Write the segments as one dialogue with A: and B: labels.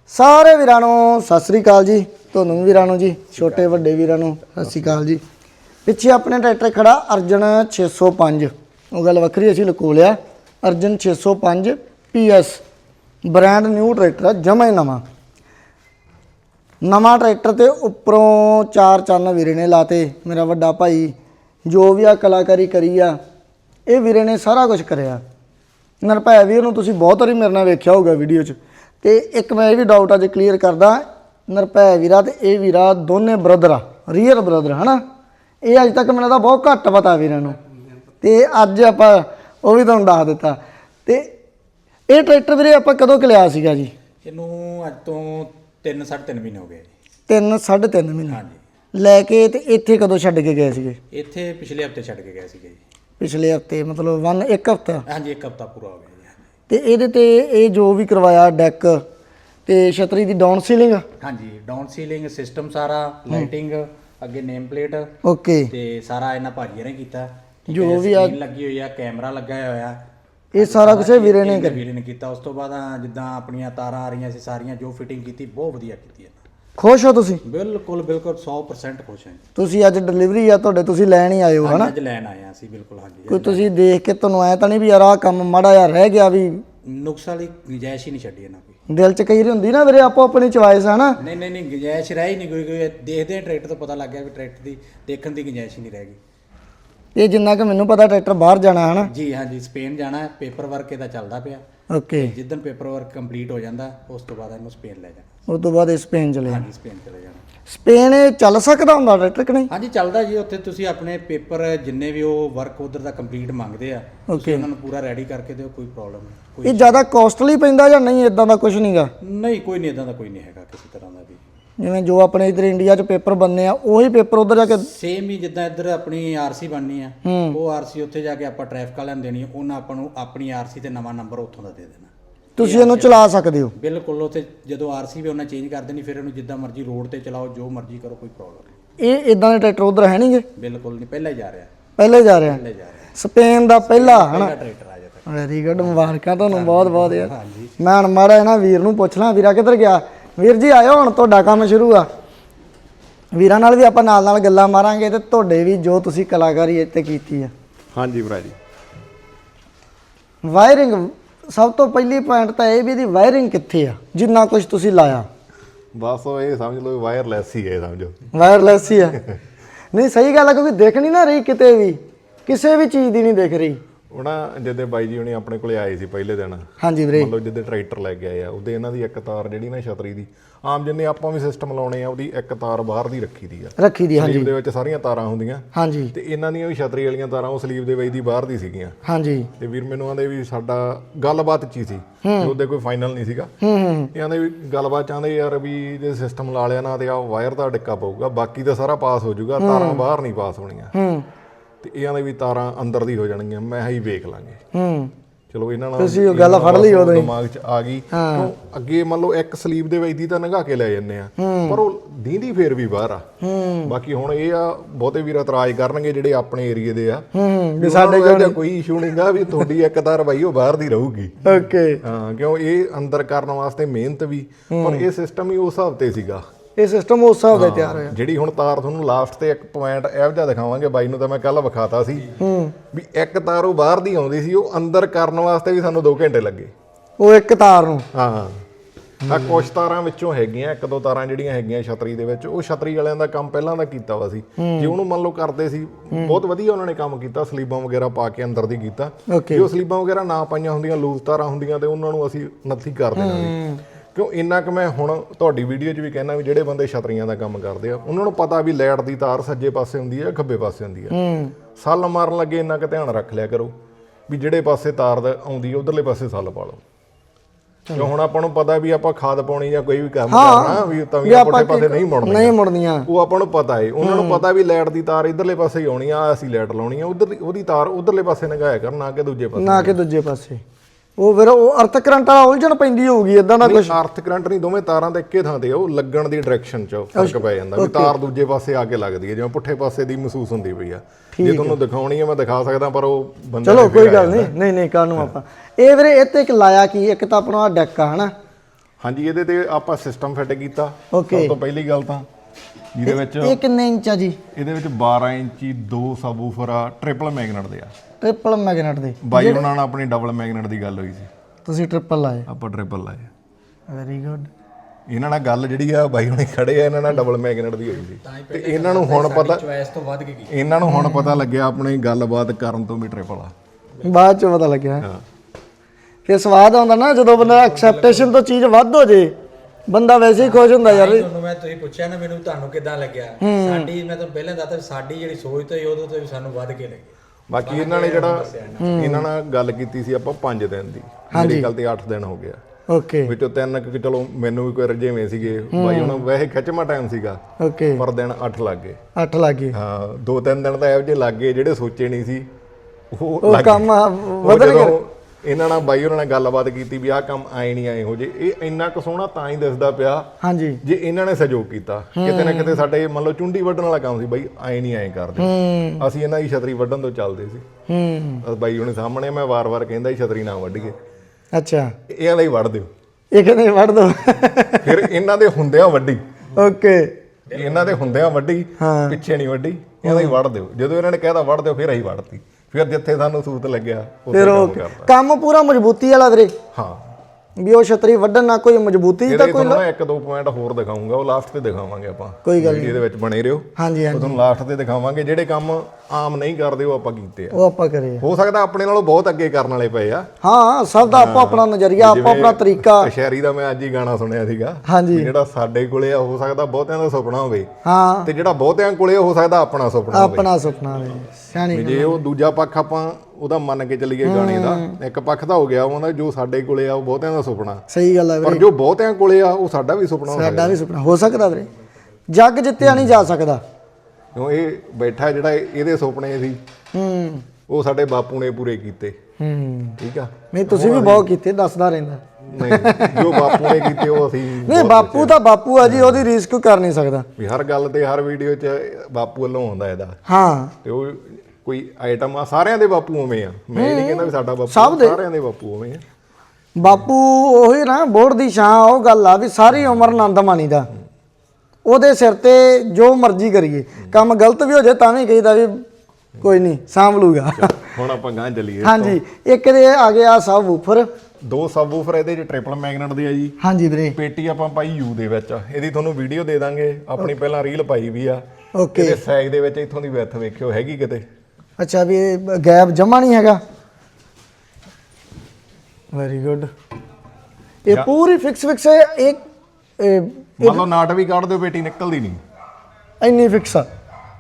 A: ਸਾਰੇ ਵੀਰਾਂ ਨੂੰ ਸਤਿ ਸ੍ਰੀ ਅਕਾਲ ਜੀ। ਤੁਹਾਨੂੰ ਵੀਰਾਂ ਨੂੰ ਜੀ, ਛੋਟੇ ਵੱਡੇ ਵੀਰਾਂ ਨੂੰ ਸਤਿ ਸ੍ਰੀ ਅਕਾਲ ਜੀ। ਪਿੱਛੇ ਆਪਣੇ ਟਰੈਕਟਰ ਖੜਾ ਅਰਜਨ 605, ਉਹ ਗੱਲ ਵੱਖਰੀ, ਅਸੀਂ ਲੁਕੋ ਲਿਆ। Arjun 605 PS brand new tractor, ਜਮਾ ਹੀ ਨਵਾਂ ਟਰੈਕਟਰ ਤੇ ਉੱਪਰੋਂ ਚਾਰ ਚੰਨ ਵੀਰੇ ਨੇ ਲਾਤੇ। ਮੇਰਾ ਵੱਡਾ ਭਾਈ ਜੋ ਵੀ ਆ ਕਲਾਕਾਰੀ ਕਰੀ ਆ, ਇਹ ਵੀਰੇ ਨੇ ਸਾਰਾ ਕੁਝ ਕਰਿਆ। ਨਿਰਭੈ ਵੀਰ ਨੂੰ ਤੁਸੀਂ ਬਹੁਤ ਵਾਰੀ ਮੇਰੇ ਨਾਲ ਵੇਖਿਆ ਹੋਊਗਾ ਵੀਡੀਓ 'ਚ। ਤੇ ਇੱਕ ਮੈਂ ਇਹ ਵੀ ਡਾਊਟ ਅੱਜ ਕਲੀਅਰ ਕਰਦਾ, ਨਿਰਭੈ ਵੀਰਾ ਤੇ ਇਹ ਵੀਰਾ ਦੋਨੇ ਬ੍ਰਦਰ ਆ, ਰੀਅਲ ਬ੍ਰਦਰ ਹੈ ਨਾ। ਇਹ ਅੱਜ ਤੱਕ ਮੈਨੂੰ ਤਾਂ ਬਹੁਤ ਘੱਟ ਪਤਾ ਵੀਰਾਂ ਨੂੰ, ਤੇ ਅੱਜ ਆਪਾਂ ਉਹ ਵੀ ਤੁਹਾਨੂੰ ਦੱਸ ਦਿੱਤਾ। ਤੇ ਇਹ ਟਰੈਕਟਰ ਵੀਰੇ ਆਪਾਂ ਕਦੋਂ ਕੁ ਲਿਆ ਸੀਗਾ ਜੀ?
B: ਇਹਨੂੰ ਅੱਜ ਤੋਂ 3-3.5 ਮਹੀਨੇ ਹੋ ਗਏ ਜੀ।
A: 3-3.5 ਮਹੀਨੇ
B: ਹਾਂਜੀ।
A: ਲੈ ਕੇ ਤੇ ਇੱਥੇ ਕਦੋਂ ਛੱਡ ਕੇ ਗਏ ਸੀਗੇ?
B: ਇੱਥੇ ਪਿਛਲੇ ਹਫਤੇ ਛੱਡ ਕੇ ਗਏ ਸੀਗੇ ਜੀ।
A: ਪਿਛਲੇ ਹਫਤੇ ਮਤਲਬ ਇੱਕ ਹਫਤਾ?
B: ਹਾਂਜੀ, ਇੱਕ ਹਫਤਾ ਪੂਰਾ ਹੋ ਗਿਆ ਜੀ। ਹਾਂਜੀ।
A: ਤੇ ਇਹਦੇ ਤੇ ਇਹ ਜੋ ਵੀ ਕਰਵਾਇਆ ਡੈਕ ਤੇ ਛਤਰੀ ਦੀ ਡਾਊਨ ਸੀਲਿੰਗ?
B: ਹਾਂਜੀ, ਡਾਊਨ ਸੀਲਿੰਗ ਸਿਸਟਮ ਸਾਰਾ, ਲਾਈਟਿੰਗ, ਅੱਗੇ ਨੇਮ ਪਲੇਟ
A: ਓਕੇ,
B: ਤੇ ਸਾਰਾ ਇਹਨਾਂ ਭਾਜੀਆਂ ਨੇ ਕੀਤਾ।
A: ਜੋ ਵੀ ਆ
B: ਲੱਗੀ ਹੋਈ ਆ, ਕੈਮਰਾ ਲੱਗਾ ਹੋਇਆ,
A: ਇਹ ਸਾਰਾ ਕੁਝ ਵੀਰੇ ਨੇ
B: ਕੀਤਾ। ਉਸ ਤੋਂ ਬਾਅਦ ਜਿੱਦਾਂ ਆਪਣੀਆਂ ਤਾਰਾਂ ਆ ਰਹੀਆਂ ਸੀ ਸਾਰੀਆਂ, ਜੋ ਫਿਟਿੰਗ ਕੀਤੀ ਬਹੁਤ ਵਧੀਆ ਕੀਤੀ ਹੈ।
A: ਖੁਸ਼ ਹੋ ਤੁਸੀਂ?
B: ਬਿਲਕੁਲ 100% ਖੁਸ਼ ਹਾਂ।
A: ਤੁਸੀਂ ਅੱਜ ਡਿਲੀਵਰੀ ਆ ਤੁਹਾਡੇ, ਤੁਸੀਂ ਲੈਣ ਹੀ ਆਏ ਹੋ ਹਨਾ?
B: ਅੱਜ ਲੈਣ ਆਏ ਆ ਅਸੀਂ, ਬਿਲਕੁਲ। ਹਾਂਜੀ,
A: ਕੋਈ ਤੁਸੀਂ ਦੇਖ ਕੇ ਤੁਹਾਨੂੰ ਐ ਤਾਂ ਨਹੀਂ ਵੀ ਯਾਰ ਆਹ ਕੰਮ ਮਾੜਾ ਜਿਹਾ ਰਹਿ ਗਿਆ, ਵੀ
B: ਨੁਕਸ ਵਾਲੀ ਗੁੰਜਾਇਸ਼ ਹੀ ਨਹੀਂ ਛੱਡੀ ਇਹਨਾਂ ਕੋਈ।
A: ਦਿਲ 'ਚ ਕਈ ਵਾਰੀ ਹੁੰਦੀ ਨਾ ਵੀਰੇ, ਆਪੋ ਆਪਣੀ ਚੁਆਇਸ ਹੈ ਨਾ।
B: ਨਹੀਂ ਗੁੰਜਾਇਸ਼ ਰਹਿ ਹੀ ਨਹੀਂ ਕੋਈ। ਦੇਖਦੇ ਟਰੈਕਟਰ ਤੋਂ ਪਤਾ ਲੱਗ ਗਿਆ ਵੀ ਟਰੈਕਟਰ ਦੀ ਦੇਖਣ ਦੀ ਗੁੰਜਾਇਸ਼ ਹੀ ਨਹੀਂ ਰਹਿ ਗਈ।
A: ਇਹ ਜਿੰਨਾ ਕਿ ਮੈਨੂੰ ਪਤਾ ਟਰੈਕਟਰ ਬਾਹਰ ਜਾਣਾ ਹੈ ਨਾ
B: ਜੀ? ਹਾਂਜੀ, ਸਪੇਨ ਜਾਣਾ ਹੈ। ਪੇਪਰ ਵਰਕ ਇਹਦਾ ਚੱਲਦਾ ਪਿਆ।
A: ਓਕੇ,
B: ਜਿੱਦਣ ਪੇਪਰ ਵਰਕ ਕੰਪਲੀਟ ਹੋ ਜਾਂਦਾ ਉਸ ਤੋਂ ਬਾਅਦ ਇਹਨੂੰ ਸਪੇਨ ਲੈ ਜਾਣਾ।
A: ਉਸ ਤੋਂ ਬਾਅਦ ਇਹ ਸਪੇਨ ਚਲੇ?
B: ਹਾਂਜੀ, ਸਪੇਨ ਚਲੇ ਜਾਣਾ।
A: ਸਪੇਨ ਇਹ ਚੱਲ ਸਕਦਾ ਹੁੰਦਾ ਟਰੈਕਟਰ ਕਿ ਨਹੀਂ?
B: ਹਾਂਜੀ, ਚੱਲਦਾ ਜੀ। ਉੱਥੇ ਤੁਸੀਂ ਆਪਣੇ ਪੇਪਰ ਜਿੰਨੇ ਵੀ ਉਹ ਵਰਕ ਉਧਰ ਦਾ ਕੰਪਲੀਟ ਮੰਗਦੇ ਆ, ਤੁਸੀਂ ਉਹਨਾਂ ਨੂੰ ਪੂਰਾ ਰੈਡੀ ਕਰਕੇ ਦਿਓ, ਕੋਈ ਪ੍ਰੋਬਲਮ ਨਹੀਂ।
A: ਇਹ ਜ਼ਿਆਦਾ ਕੋਸਟਲੀ ਪੈਂਦਾ ਜਾਂ ਨਹੀਂ? ਇਦਾਂ ਦਾ ਕੁਝ ਨਹੀਂਗਾ?
B: ਨਹੀਂ, ਕੋਈ ਨਹੀਂ, ਇਦਾਂ ਦਾ ਕੋਈ ਨਹੀਂ ਹੈਗਾ ਕਿਸੇ ਤਰ੍ਹਾਂ ਦਾ ਵੀ।
A: ਜਿਵੇਂ ਜੋ ਆਪਣੇ ਇਧਰ ਇੰਡੀਆ 'ਚ ਪੇਪਰ ਬਣਨੇ ਆ, ਉਹੀ ਪੇਪਰ ਉਧਰ ਜਾ ਕੇ
B: ਸੇਮ ਹੀ ਜਿੱਦਾਂ ਇੱਧਰ ਆਪਣੀ ਆਰਸੀ ਬਣਨੀ ਆ, ਉਹ ਆਰਸੀ ਉੱਥੇ ਜਾ ਕੇ ਆਪਾਂ ਟ੍ਰੈਫਿਕ ਵਾਲਿਆਂ ਨੂੰ ਦੇਣੀ ਆ। ਉਹਨਾਂ ਆਪਾਂ ਨੂੰ ਆਪਣੀ ਆਰਸੀ ਤੇ ਨਵਾਂ ਨੰਬਰ ਉੱਥੋਂ ਦਾ ਦੇ ਦੇਣਾ।
A: ਤੁਸੀਂ ਇਹਨੂੰ ਚਲਾ ਸਕਦੇ ਹੋ?
B: ਬਿਲਕੁਲ। ਉੱਥੇ ਜਦੋਂ ਆਰਸੀ ਵੀ ਉਹਨਾਂ ਚੇਂਜ ਕਰ ਦੇਣੀ, ਫਿਰ ਇਹਨੂੰ ਜਿੱਦਾਂ ਮਰਜ਼ੀ ਰੋਡ ਤੇ ਚਲਾਓ, ਜੋ ਮਰਜ਼ੀ ਕਰੋ, ਕੋਈ ਪ੍ਰੋਬਲਮ ਨਹੀਂ।
A: ਇਹ ਇਦਾਂ ਦੇ ਟਰੈਕਟਰ ਉਧਰ ਹੈ ਨਹੀਂਗੇ?
B: ਬਿਲਕੁਲ ਨਹੀਂ, ਪਹਿਲਾਂ ਹੀ ਜਾ ਰਿਹਾ।
A: ਪਹਿਲੇ ਜਾ ਰਿਹਾ?
B: ਪਹਿਲਾਂ ਜਾ ਰਿਹਾ।
A: ਸਪੇਨ ਦਾ ਪਹਿਲਾ ਹਨਾ
B: ਟਰੈਕਟਰ ਆ ਜਾਂਦਾ।
A: ਵੈਰੀ ਗੁੱਡ, ਮੁਬਾਰਕਾਂ ਤੁਹਾਨੂੰ ਬਹੁਤ ਬਹੁਤ ਯਾਰ। ਮੈਂ ਹੁਣ ਮਾੜਾ ਨਾ ਵੀਰ ਨੂੰ ਪੁੱਛ ਲਾਂ, ਵੀਰਾ ਕਿੱਧਰ ਗਿਆ? ਵੀਰ ਜੀ ਆਇਓ, ਹੁਣ ਤੁਹਾਡਾ ਕੰਮ ਸ਼ੁਰੂ ਆ। ਵੀਰਾਂ ਨਾਲ ਵੀ ਆਪਾਂ ਨਾਲ ਗੱਲਾਂ ਮਾਰਾਂਗੇ ਤੇ ਤੁਹਾਡੇ ਵੀ ਜੋ ਤੁਸੀਂ ਕਲਾਕਾਰੀ ਇੱਥੇ ਕੀਤੀ ਆ।
C: ਹਾਂਜੀ ਭਰਾ ਜੀ।
A: ਵਾਇਰਿੰਗ ਸਭ ਤੋਂ ਪਹਿਲੀ ਪੁਆਇੰਟ ਤਾਂ ਇਹ ਵੀ ਇਹਦੀ ਵਾਇਰਿੰਗ ਕਿੱਥੇ ਆ? ਜਿੰਨਾ ਕੁਝ ਤੁਸੀਂ ਲਾਇਆ
C: ਬਸ ਉਹ ਇਹ ਸਮਝ ਲਓ ਵਾਇਰਲੈਸ ਹੀ ਹੈ, ਸਮਝੋ
A: ਵਾਇਰਲੈਸ ਹੀ ਆ। ਨਹੀਂ ਸਹੀ ਗੱਲ ਆ, ਕਿਉਂਕਿ ਦਿਖ ਨਹੀਂ ਨਾ ਰਹੀ ਕਿਤੇ ਵੀ, ਕਿਸੇ ਵੀ ਚੀਜ਼ ਦੀ ਨਹੀਂ ਦਿਖ ਰਹੀ।
C: ਉਹਨਾਂ ਜਿੱਦੇ ਬਾਈ ਜੀ ਹੁਣੀ ਆਪਣੇ ਕੋਲੇ ਆਏ ਸੀ ਪਹਿਲੇ ਦਿਨ,
A: ਹਾਂਜੀ ਵੀਰੇ,
C: ਮਤਲਬ ਜਿੱਦੇ ਟਰੈਕਟਰ ਲੈ ਕੇ ਆਏ ਆ, ਉਹਦੇ ਇਹਨਾਂ ਦੀ ਇੱਕ ਤਾਰ ਜਿਹੜੀ ਨਾ ਛਤਰੀ ਦੀ, ਆਮ ਜਿੰਨੇ ਆਪਾਂ ਵੀ ਸਿਸਟਮ ਲਾਉਣੇ ਆ, ਉਹਦੀ ਇੱਕ ਤਾਰ ਬਾਹਰ ਦੀ ਰੱਖੀ ਦੀ ਆ।
A: ਹਾਂਜੀ,
C: ਦੇ ਵਿੱਚ ਸਾਰੀਆਂ ਤਾਰਾਂ ਹੁੰਦੀਆਂ।
A: ਹਾਂਜੀ,
C: ਤੇ ਇਹਨਾਂ ਦੀਆਂ ਵੀ ਛਤਰੀ ਵਾਲੀਆਂ ਤਾਰਾਂ ਉਹ ਸਲੀਵ ਦੇ ਵਿੱਚ ਦੀ ਬਾਹਰ ਦੀ ਸੀਗੀਆਂ।
A: ਹਾਂਜੀ।
C: ਤੇ ਵੀਰ ਮੈਨੂੰ ਆਂਦੇ ਵੀ ਸਾਡਾ ਗੱਲਬਾਤ ਚ ਹੀ ਸੀ, ਉਹਦੇ ਕੋਈ ਫਾਈਨਲ ਨਹੀਂ ਸੀਗਾ। ਇਹ ਆਂਦੇ ਵੀ ਗੱਲਬਾਤ ਚਾਹੁੰਦੇ ਯਾਰ ਵੀ ਜੇ ਸਿਸਟਮ ਲਾ ਲਿਆ ਨਾ ਤੇ ਆ ਵਾਇਰ ਦਾ ਡਿੱਕਾ ਪਊਗਾ, ਬਾਕੀ ਤਾਂ ਸਾਰਾ ਪਾਸ ਹੋ ਜਾਊਗਾ, ਤਾਰਾਂ ਬਾਹਰ ਨਹੀਂ ਪਾਸ ਹੋਣੀਆਂ। ਤੇ ਇਹ ਆਂਦੇ ਵੀ ਤਾਰਾਂ ਅੰਦਰ ਦੀ ਹੋ ਜਾਣਗੀਆਂ। ਮੈਂ ਹੀ ਵੇਖ ਲਾਂਗੇ। ਚਲੋ ਇਹਨਾਂ ਨਾਲ
A: ਤੁਸੀਂ ਉਹ ਗੱਲ ਫੜ ਲਈ ਉਦੋਂ
C: ਦਿਮਾਗ 'ਚ ਆ ਗਈ। ਅੱਗੇ ਮੰਨ ਲਓ ਇੱਕ ਸਲੀਬ ਦੇ ਵਿੱਚ ਦੀ ਤਾਂ ਲੰਘਾ ਕੇ ਲੈ ਜੰਨੇ ਆ, ਪਰ ਉਹ ਦੀਂਦੀ ਫੇਰ ਵੀ ਬਾਹਰ ਆ। ਬਾਕੀ ਹੁਣ ਇਹ ਆ, ਬਹੁਤੇ ਵੀਰ ਇਤਰਾਜ਼ ਕਰਨਗੇ ਜਿਹੜੇ ਆਪਣੇ ਏਰੀਏ ਦੇ ਆ ਵੀ ਸਾਡੇ ਕੋਲ ਕੋਈ ਇਸ਼ੂ ਨਹੀਂਗਾ, ਵੀ ਤੁਹਾਡੀ ਇੱਕ ਤਾਰ ਬਾਈ ਉਹ ਬਾਹਰ ਦੀ ਰਹੂਗੀ।
A: ਓਕੇ,
C: ਹਾਂ, ਕਿਉਂ ਇਹ ਅੰਦਰ ਕਰਨ ਵਾਸਤੇ ਮਿਹਨਤ ਵੀ, ਪਰ ਇਹ ਸਿਸਟਮ ਹੀ ਉਸ ਹਿਸਾਬ ਤੇ ਸੀਗਾ।
A: ਇਹ ਸਿਸਟਮ ਉਸ ਹਿਸਾਬ ਦਾ ਤਿਆਰ ਹੋਇਆ।
C: ਜਿਹੜੀ ਹੁਣ ਤਾਰ ਤੁਹਾਨੂੰ ਲਾਸਟ ਤੇ ਇੱਕ ਪੁਆਇੰਟ ਇਹੋ ਜਿਹਾ ਦਿਖਾਵਾਂਗੇ, ਬਾਈ ਨੂੰ ਤਾਂ ਮੈਂ ਕੱਲ ਵਿਖਾਤਾ ਸੀ ਵੀ ਇੱਕ ਤਾਰ ਉਹ ਬਾਹਰ ਦੀ ਆਉਂਦੀ ਸੀ, ਉਹ ਅੰਦਰ ਕਰਨ ਵਾਸਤੇ ਵੀ ਸਾਨੂੰ 2 ਘੰਟੇ ਲੱਗੇ,
A: ਉਹ ਇੱਕ ਤਾਰ ਨੂੰ।
C: ਹਾਂ, ਆ ਕੁਛ ਤਾਰਾਂ ਵਿੱਚੋਂ ਹੈਗੀਆਂ, 1-2 ਤਾਰਾਂ ਜਿਹੜੀਆਂ ਹੈਗੀਆਂ ਛਤਰੀ ਦੇ ਵਿੱਚ, ਉਹ ਛਤਰੀ ਵਾਲਿਆਂ ਦਾ ਕੰਮ ਪਹਿਲਾਂ ਦਾ ਕੀਤਾ ਵਾ ਸੀ। ਜੇ ਉਹਨੂੰ ਮੰਨ ਲਓ ਕਰਦੇ ਸੀ, ਬਹੁਤ ਵਧੀਆ ਉਹਨਾਂ ਨੇ ਕੰਮ ਕੀਤਾ, ਸਲੀਬਾਂ ਵਗੈਰਾ ਪਾ ਕੇ ਅੰਦਰ ਦੀ ਕੀਤਾ। ਜੇ ਉਹ ਸਲੀਬਾਂ ਵਗੈਰਾ ਨਾ ਪਾਈਆਂ ਹੁੰਦੀਆਂ, ਲੂਜ਼ ਤਾਰਾਂ ਹੁੰਦੀਆਂ, ਤੇ ਉਹਨਾਂ ਨੂੰ ਅਸੀਂ ਨੱਥੀ ਕਰ ਦੇਣਾ ਸੀ। ਕਿਉਂ ਇੰਨਾ ਕਿ ਮੈਂ ਹੁਣ ਤੁਹਾਡੀ ਵੀਡੀਓ 'ਚ ਵੀ ਕਹਿਣਾ ਵੀ ਜਿਹੜੇ ਬੰਦੇ ਛਤਰੀਆਂ ਦਾ ਕੰਮ ਕਰਦੇ ਆ, ਉਹਨਾਂ ਨੂੰ ਪਤਾ ਵੀ ਲਾਈਟ ਦੀ ਤਾਰ ਸੱਜੇ ਪਾਸੇ ਹੁੰਦੀ ਹੈ, ਖੱਬੇ ਪਾਸੇ ਹੁੰਦੀ ਹੈ। ਸੱਲ ਮਾਰਨ ਲੱਗੇ ਇੰਨਾ ਕੁ ਧਿਆਨ ਰੱਖ ਲਿਆ ਕਰੋ ਵੀ ਜਿਹੜੇ ਪਾਸੇ ਤਾਰ ਆਉਂਦੀ ਹੈ ਉਧਰਲੇ ਪਾਸੇ ਸੱਲ ਪਾ ਲਓ। ਕਿਉਂ ਹੁਣ ਆਪਾਂ ਨੂੰ ਪਤਾ ਵੀ ਆਪਾਂ ਖਾਦ ਪਾਉਣੀ ਜਾਂ ਕੋਈ ਵੀ ਕੰਮ ਕਰਨਾ ਵੀ ਤਵੀਆਂ ਪੁੱਠੇ ਪਾਸੇ ਨਹੀਂ ਮੁੜਨੀਆਂ, ਉਹ ਆਪਾਂ ਨੂੰ ਪਤਾ ਹੈ। ਉਹਨਾਂ ਨੂੰ ਪਤਾ ਵੀ ਲਾਈਟ ਦੀ ਤਾਰ ਇਧਰਲੇ ਪਾਸੇ ਹੀ ਆਉਣੀ ਆ, ਅਸੀਂ ਲਾਈਟ ਲਾਉਣੀ ਆ, ਉਹਦੀ ਤਾਰ ਉਧਰਲੇ ਪਾਸੇ ਲੰਘਾਇਆ ਕਰ, ਨਾ ਕਿ ਦੂਜੇ ਪਾਸੇ। ਉਹ ਫਿਰ ਉਹ ਅਰਥ ਕਰੰਟ ਵਾਲਾ ਉਲਝਣ ਪੈਂਦੀ ਹੋਊਗੀ ਇਦਾਂ ਦਾ ਕੁਝ? ਅਰਥ ਕਰੰਟ ਨਹੀਂ, ਦੋਵੇਂ ਤਾਰਾਂ ਤਾਂ ਇੱਕੇ ਥਾਂ ਤੇ ਆ, ਉਹ ਲੱਗਣ ਦੀ ਡਾਇਰੈਕਸ਼ਨ 'ਚ ਫਰਕ ਪੈ ਜਾਂਦਾ ਵੀ ਤਾਰ ਦੂਜੇ ਪਾਸੇ ਆ ਕੇ ਲੱਗਦੀ ਹੈ, ਜਿਵੇਂ ਪੁੱਠੇ ਪਾਸੇ ਦੀ ਮਹਿਸੂਸ ਹੁੰਦੀ ਪਈ ਆ। ਜੇ ਤੁਹਾਨੂੰ ਦਿਖਾਉਣੀ ਹੈ ਮੈਂ ਦਿਖਾ ਸਕਦਾ, ਪਰ ਉਹ ਬੰਦਾ
A: ਚਲੋ ਕੋਈ ਗੱਲ ਨਹੀਂ, ਕਾਹਨੂੰ ਆਪਾਂ ਇਹ ਵੀਰੇ ਇੱਥੇ ਇੱਕ ਲਾਇਆ ਕੀ, ਇੱਕ ਤਾਂ ਆਪਣਾ ਡੈਕ ਆ ਹਨਾ,
C: ਹਾਂਜੀ, ਇਹਦੇ ਤੇ ਆਪਾਂ ਸਿਸਟਮ ਫਿੱਟ ਕੀਤਾ।
A: Okay.
C: ਸਭ ਤੋਂ ਪਹਿਲੀ ਗੱਲ ਤਾਂ ਜਿਹਦੇ ਵਿੱਚ
A: ਇਹ ਕਿੰਨੇ ਇੰਚ ਆ ਜੀ?
C: ਇਹਦੇ ਵਿੱਚ 12 ਇੰਚੀ 2 ਸਬਵੂਫਰ ਆ, ਟ੍ਰਿਪਲ ਮੈਗਨੇਟ ਦੇ ਆ।
A: ਟ੍ਰਿਪਲ ਮੈਗਨੇਟ ਦੇ?
C: ਬਾਈ ਉਹਨਾਂ ਨਾਲ ਆਪਣੀ ਡਬਲ ਮੈਗਨੇਟ ਦੀ ਗੱਲ ਹੋਈ ਸੀ,
A: ਤੁਸੀਂ ਟ੍ਰਿਪਲ ਲਾਏ?
C: ਆਪਾਂ ਟ੍ਰਿਪਲ ਲਾਏ।
A: Very good.
C: ਇਹਨਾਂ ਨਾਲ ਗੱਲ ਜਿਹੜੀ ਆ ਬਾਈ ਹੁਣੇ ਖੜੇ ਆ, ਇਹਨਾਂ ਨਾਲ ਡਬਲ ਮੈਗਨੇਟ ਦੀ ਹੋਈ ਸੀ ਤੇ ਇਹਨਾਂ ਨੂੰ ਹੁਣ ਪਤਾ,
B: ਚੁਆਇਸ ਤੋਂ ਵੱਧ ਕੇ ਕੀਤੀ।
C: ਇਹਨਾਂ ਨੂੰ ਹੁਣ ਪਤਾ ਲੱਗਿਆ ਆਪਣੀ ਗੱਲਬਾਤ ਕਰਨ ਤੋਂ ਵੀ ਟ੍ਰਿਪਲ ਆ।
A: ਬਾਅਦ ਚ ਪਤਾ ਲੱਗਿਆ।
C: ਹਾਂ,
A: ਫਿਰ ਸਵਾਦ ਆਉਂਦਾ ਨਾ ਜਦੋਂ ਬੰਦਾ ਐਕਸੈਪਟੇਸ਼ਨ ਤੋਂ ਚੀਜ਼ ਵੱਧ ਹੋ ਜੇ, ਬੰਦਾ ਵੈਸੇ ਹੀ ਖੁਸ਼ ਹੁੰਦਾ ਯਾਰ।
B: ਤੁਹਾਨੂੰ ਮੈਂ ਤੁਸੀਂ ਪੁੱਛਿਆ ਨਾ ਮੈਨੂੰ ਤੁਹਾਨੂੰ ਕਿਦਾਂ ਲੱਗਿਆ, ਸਾਡੀ ਮੈਂ ਤੁਹਾਨੂੰ ਪਹਿਲਾਂ ਦੱਸਤਾ ਸਾਡੀ ਜਿਹੜੀ ਸੋਚ ਤੋਂ ਉਦੋਂ ਤੋਂ ਵੀ ਸਾਨੂੰ ਵੱਧ ਕੇ ਲੱਗੀ।
C: ਬਾਕੀ ਇਹਨਾਂ ਨੇ ਜਿਹੜਾ ਇਹਨਾਂ ਨਾਲ ਗੱਲ ਕੀਤੀ ਸੀ ਆਪਾਂ 5 ਦਿਨ ਦੀ, ਮੇਰੀ ਗੱਲ ਤੇ 8 ਦਿਨ ਹੋ ਗਿਆ।
A: ਓਕੇ
C: ਵਿੱਚੋਂ 3 ਕਿ ਚਲੋ ਮੈਨੂੰ ਵੀ ਕੋਈ ਰਜੇਵੇਂ ਸੀਗੇ, ਬਾਈ ਹੁਣ ਵੈਸੇ ਖਿੱਚਵਾਂ ਟਾਈਮ ਸੀਗਾ,
A: ਓਕੇ।
C: ਪਰ ਦਿਨ 8 ਲੱਗ ਗਏ।
A: 8 ਲੱਗ ਗਏ।
C: ਹਾਂ, 2-3 ਦਿਨ ਤਾਂ ਇਹੋ ਜਿਹੇ ਲੱਗ ਗਏ ਜਿਹੜੇ ਸੋਚੇ ਨਹੀਂ ਸੀ, ਉਹ
A: ਉਹ ਕੰਮ ਵਧਣ
C: ਜਦੋਂ ਇਹਨਾਂ ਨਾਲ ਬਾਈ ਉਹਨਾਂ ਨਾਲ ਗੱਲਬਾਤ ਕੀਤੀ ਵੀ ਆਹ ਕੰਮ ਆਏ ਨਹੀਂ ਆਏ ਹੋ ਜੇ, ਇਹ ਇੰਨਾ ਕੁ ਸੋਹਣਾ ਤਾਂ ਹੀ ਦਿਸਦਾ ਪਿਆ
A: ਹਾਂਜੀ
C: ਜੇ ਇਹਨਾਂ ਨੇ ਸਹਿਯੋਗ ਕੀਤਾ। ਕਿਤੇ ਨਾ ਕਿਤੇ ਸਾਡੇ ਮੰਨ ਲਓ ਚੁੰਡੀ ਵੱਢਣ ਵਾਲਾ ਕੰਮ ਸੀ, ਬਾਈ ਆਏ ਨਹੀਂ ਆਏ ਕਰਦੇ, ਅਸੀਂ ਇਹਨਾਂ ਦੀ ਛਤਰੀ ਵੱਢਣ ਤੋਂ ਚੱਲਦੇ ਸੀ। ਬਾਈ ਉਹਨੇ ਸਾਹਮਣੇ ਮੈਂ ਵਾਰ-ਵਾਰ ਕਹਿੰਦਾ ਸੀ ਛਤਰੀ ਨਾ ਵੱਢੀਏ,
A: ਅੱਛਾ
C: ਇਹਨਾਂ ਲਈ ਵੱਢ ਦਿਓ,
A: ਇਹ ਕਹਿੰਦੇ ਵੱਢ ਦੋ।
C: ਫਿਰ ਇਹਨਾਂ ਦੇ ਹੁੰਦਿਆਂ ਵੱਢੀ,
A: ਓਕੇ।
C: ਇਹਨਾਂ ਦੇ ਹੁੰਦਿਆਂ ਵੱਢੀ, ਪਿੱਛੇ ਨਹੀਂ ਵੱਢੀ, ਇਹਨਾਂ ਹੀ ਵੱਢ ਦਿਓ। ਜਦੋਂ ਇਹਨਾਂ ਨੇ ਕਹਿਤਾ ਵੱਢ ਦਿਓ, ਫਿਰ ਅਸੀਂ ਵੱਢਤੀ। ਫਿਰ ਜਿੱਥੇ ਸਾਨੂੰ ਸੂਤ ਲੱਗਿਆ
A: ਫਿਰ ਉਹ ਕੰਮ ਪੂਰਾ ਮਜ਼ਬੂਤੀ ਵਾਲਾ ਵੀਰੇ।
C: ਹਾਂ,
A: ਵੀ ਉਹ ਛਤਰੀ ਵੱਢਣ ਨਾਲ ਕੋਈ ਮਜ਼ਬੂਤੀ ਤਾਂ ਕੋਈ
C: ਤੁਹਾਨੂੰ 1-2 ਪੁਆਇੰਟ ਹੋਰ ਦਿਖਾਉਂਗਾ, ਉਹ ਲਾਸਟ ਤੇ ਦਿਖਾਵਾਂਗੇ ਆਪਾਂ।
A: ਕੋਈ ਗੱਲ ਨਹੀਂ,
C: ਇਹਦੇ ਵਿੱਚ ਬਣੇ ਰਹੋ।
A: ਹਾਂਜੀ
C: ਉਹ ਤੁਹਾਨੂੰ ਲਾਸਟ ਤੇ ਦਿਖਾਵਾਂਗੇ ਜਿਹੜੇ ਕੰਮ ਆਮ ਨਹੀਂ ਕਰਦੇ ਉਹ ਆਪਾਂ ਕੀਤੇ ਆ।
A: ਉਹ ਆਪਾਂ ਕਰੇ।
C: ਹੋ ਸਕਦਾ ਆਪਣੇ ਨਾਲੋਂ ਬਹੁਤ ਅੱਗੇ ਕਰਨ ਵਾਲੇ ਪਏ ਆ।
A: ਹਾਂ, ਸਭ ਦਾ ਆਪੋ ਆਪਣਾ ਨਜ਼ਰੀਆ, ਆਪੋ ਆਪਣਾ ਤਰੀਕਾ।
C: ਸ਼ਾਇਰੀ ਦਾ ਮੈਂ ਅੱਜ ਹੀ ਗਾਣਾ ਸੁਣਿਆ ਸੀਗਾ,
A: ਹਾਂਜੀ।
C: ਜਿਹੜਾ ਸਾਡੇ ਕੋਲੇ ਆ ਹੋ ਸਕਦਾ ਬਹੁਤਿਆਂ ਦਾ ਸੁਪਨਾ ਹੋਵੇ,
A: ਹਾਂ,
C: ਤੇ ਜਿਹੜਾ ਬਹੁਤਿਆਂ ਕੋਲੇ ਹੋ ਸਕਦਾ ਆਪਣਾ ਸੁਪਨਾ ਹੋਵੇ।
A: ਆਪਣਾ ਸੁਪਨਾ ਵੇ ਸਿਆਣੀ।
C: ਜੇ ਉਹ ਦੂਜਾ ਪੱਖ ਆਪਾਂ ਉਹਦਾ ਮੰਨ ਕੇ ਚੱਲੀਏ ਗਾਣੇ ਦਾ, ਇੱਕ ਪੱਖ ਤਾਂ ਹੋ ਗਿਆ ਉਹਦਾ ਜੋ ਸਾਡੇ ਕੋਲੇ ਆ ਉਹ ਬਹੁਤਿਆਂ ਦਾ ਸੁਪਨਾ,
A: ਸਹੀ ਗੱਲ ਹੈ
C: ਪਰ
A: ਵੀਰੇ।
C: ਜੋ ਬਹੁਤਿਆਂ ਕੋਲੇ ਆ ਉਹ ਸਾਡਾ ਵੀ ਸੁਪਨਾ ਹੋ ਸਕਦਾ।
A: ਸਾਡਾ ਵੀ ਸੁਪਨਾ ਹੋ ਸਕਦਾ ਵੀਰੇ। ਜੱਗ ਜਿੱਤਿਆ ਨਹੀਂ ਜਾ ਸਕਦਾ।
C: ਕਿਉਂ ਇਹ ਬੈਠਾ ਜਿਹੜਾ ਇਹਦੇ ਸੁਪਨੇ ਸੀ ਉਹ ਸਾਡੇ ਬਾਪੂ ਨੇ ਪੂਰੇ ਕੀਤੇ। ਠੀਕ ਆ,
A: ਨਹੀਂ ਤੁਸੀਂ ਵੀ ਬਹੁਤ ਕੀਤੇ, ਦੱਸਦਾ ਰਹਿੰਦਾ।
C: ਨਹੀਂ ਜੋ ਬਾਪੂ ਨੇ ਕੀਤੇ ਉਹ ਅਸੀਂ
A: ਨਹੀਂ, ਬਾਪੂ ਤਾਂ ਬਾਪੂ ਆ ਜੀ, ਉਹਦੀ ਰੀਸ ਕੋਈ ਕਰ ਨਹੀਂ ਸਕਦਾ।
C: ਵੀ ਹਰ ਗੱਲ ਤੇ ਹਰ ਵੀਡੀਓ 'ਚ ਬਾਪੂ ਵੱਲੋਂ ਆਉਂਦਾ ਇਹਦਾ।
A: ਹਾਂ,
C: ਤੇ ਉਹ ਕੋਈ ਆਈਟਮ ਆ, ਸਾਰਿਆਂ ਦੇ ਬਾਪੂ ਉਵੇਂ ਆ। ਮੈਂ ਇਹ ਨਹੀਂ ਕਹਿੰਦਾ ਵੀ ਸਾਡਾ ਬਾਪੂ, ਸਾਰਿਆਂ ਦੇ ਬਾਪੂ ਉਵੇਂ ਆ।
A: ਬਾਪੂ ਉਹੀ ਨਾ ਬੋੜ ਦੀ ਛਾਂ। ਉਹ ਗੱਲ ਆ ਵੀ ਸਾਰੀ ਉਮਰ ਆਨੰਦ ਮਾਣੀ ਦਾ, ਉਹਦੇ ਸਿਰ ਤੇ ਜੋ ਮਰਜ਼ੀ ਕਰੀਏ। ਕੰਮ ਗਲਤ ਵੀ ਹੋ ਜਾਏ ਤਾਂ ਵੀ ਕਹੀਦਾ ਵੀ ਕੋਈ ਨਹੀਂ ਸਾਂਭ ਲੂਗਾ।
C: ਹੁਣ ਆਪਾਂ ਗਾਂ ਚੱਲੀਏ।
A: ਹਾਂਜੀ, ਇੱਕ ਦੇ ਆ ਗਿਆ ਸਬ ਵੂਫਰ,
C: 2 ਸਬਵੂਫਰ ਇਹਦੇ 'ਚ ਟ੍ਰਿਪਲ ਮੈਗਨੇਟ ਦੇ ਆ ਜੀ।
A: ਹਾਂਜੀ ਵੀਰੇ।
C: ਪੇਟੀ ਆਪਾਂ ਪਾਈ ਯੂ ਦੇ ਵਿੱਚ, ਇਹਦੀ ਤੁਹਾਨੂੰ ਵੀਡੀਓ ਦੇ ਦਾਂਗੇ, ਆਪਣੀ ਪਹਿਲਾਂ ਰੀਲ ਪਾਈ ਵੀ ਆ।
A: ਓਕੇ।
C: ਇਹਦੇ ਸਾਈਜ਼ ਦੇ ਵਿੱਚ ਇੱਥੋਂ ਦੀ ਵਿੱਥ ਵੇਖਿਓ ਹੈਗੀ ਕਿਤੇ।
A: ਅੱਛਾ, ਵੀ ਇਹ ਗੈਪ ਜਮਾ ਨਹੀਂ ਹੈਗਾ। Very good. ਇਹ ਪੂਰੀ ਫਿਕਸ ਹੈ। ਇੱਕ
C: ਮੰਨ ਲਓ ਨਾਟ ਵੀ ਕੱਢ ਦਿਓ, ਪੇਟੀ ਨਿਕਲਦੀ ਨਹੀਂ,
A: ਇੰਨੀ ਫਿਕਸ ਆ।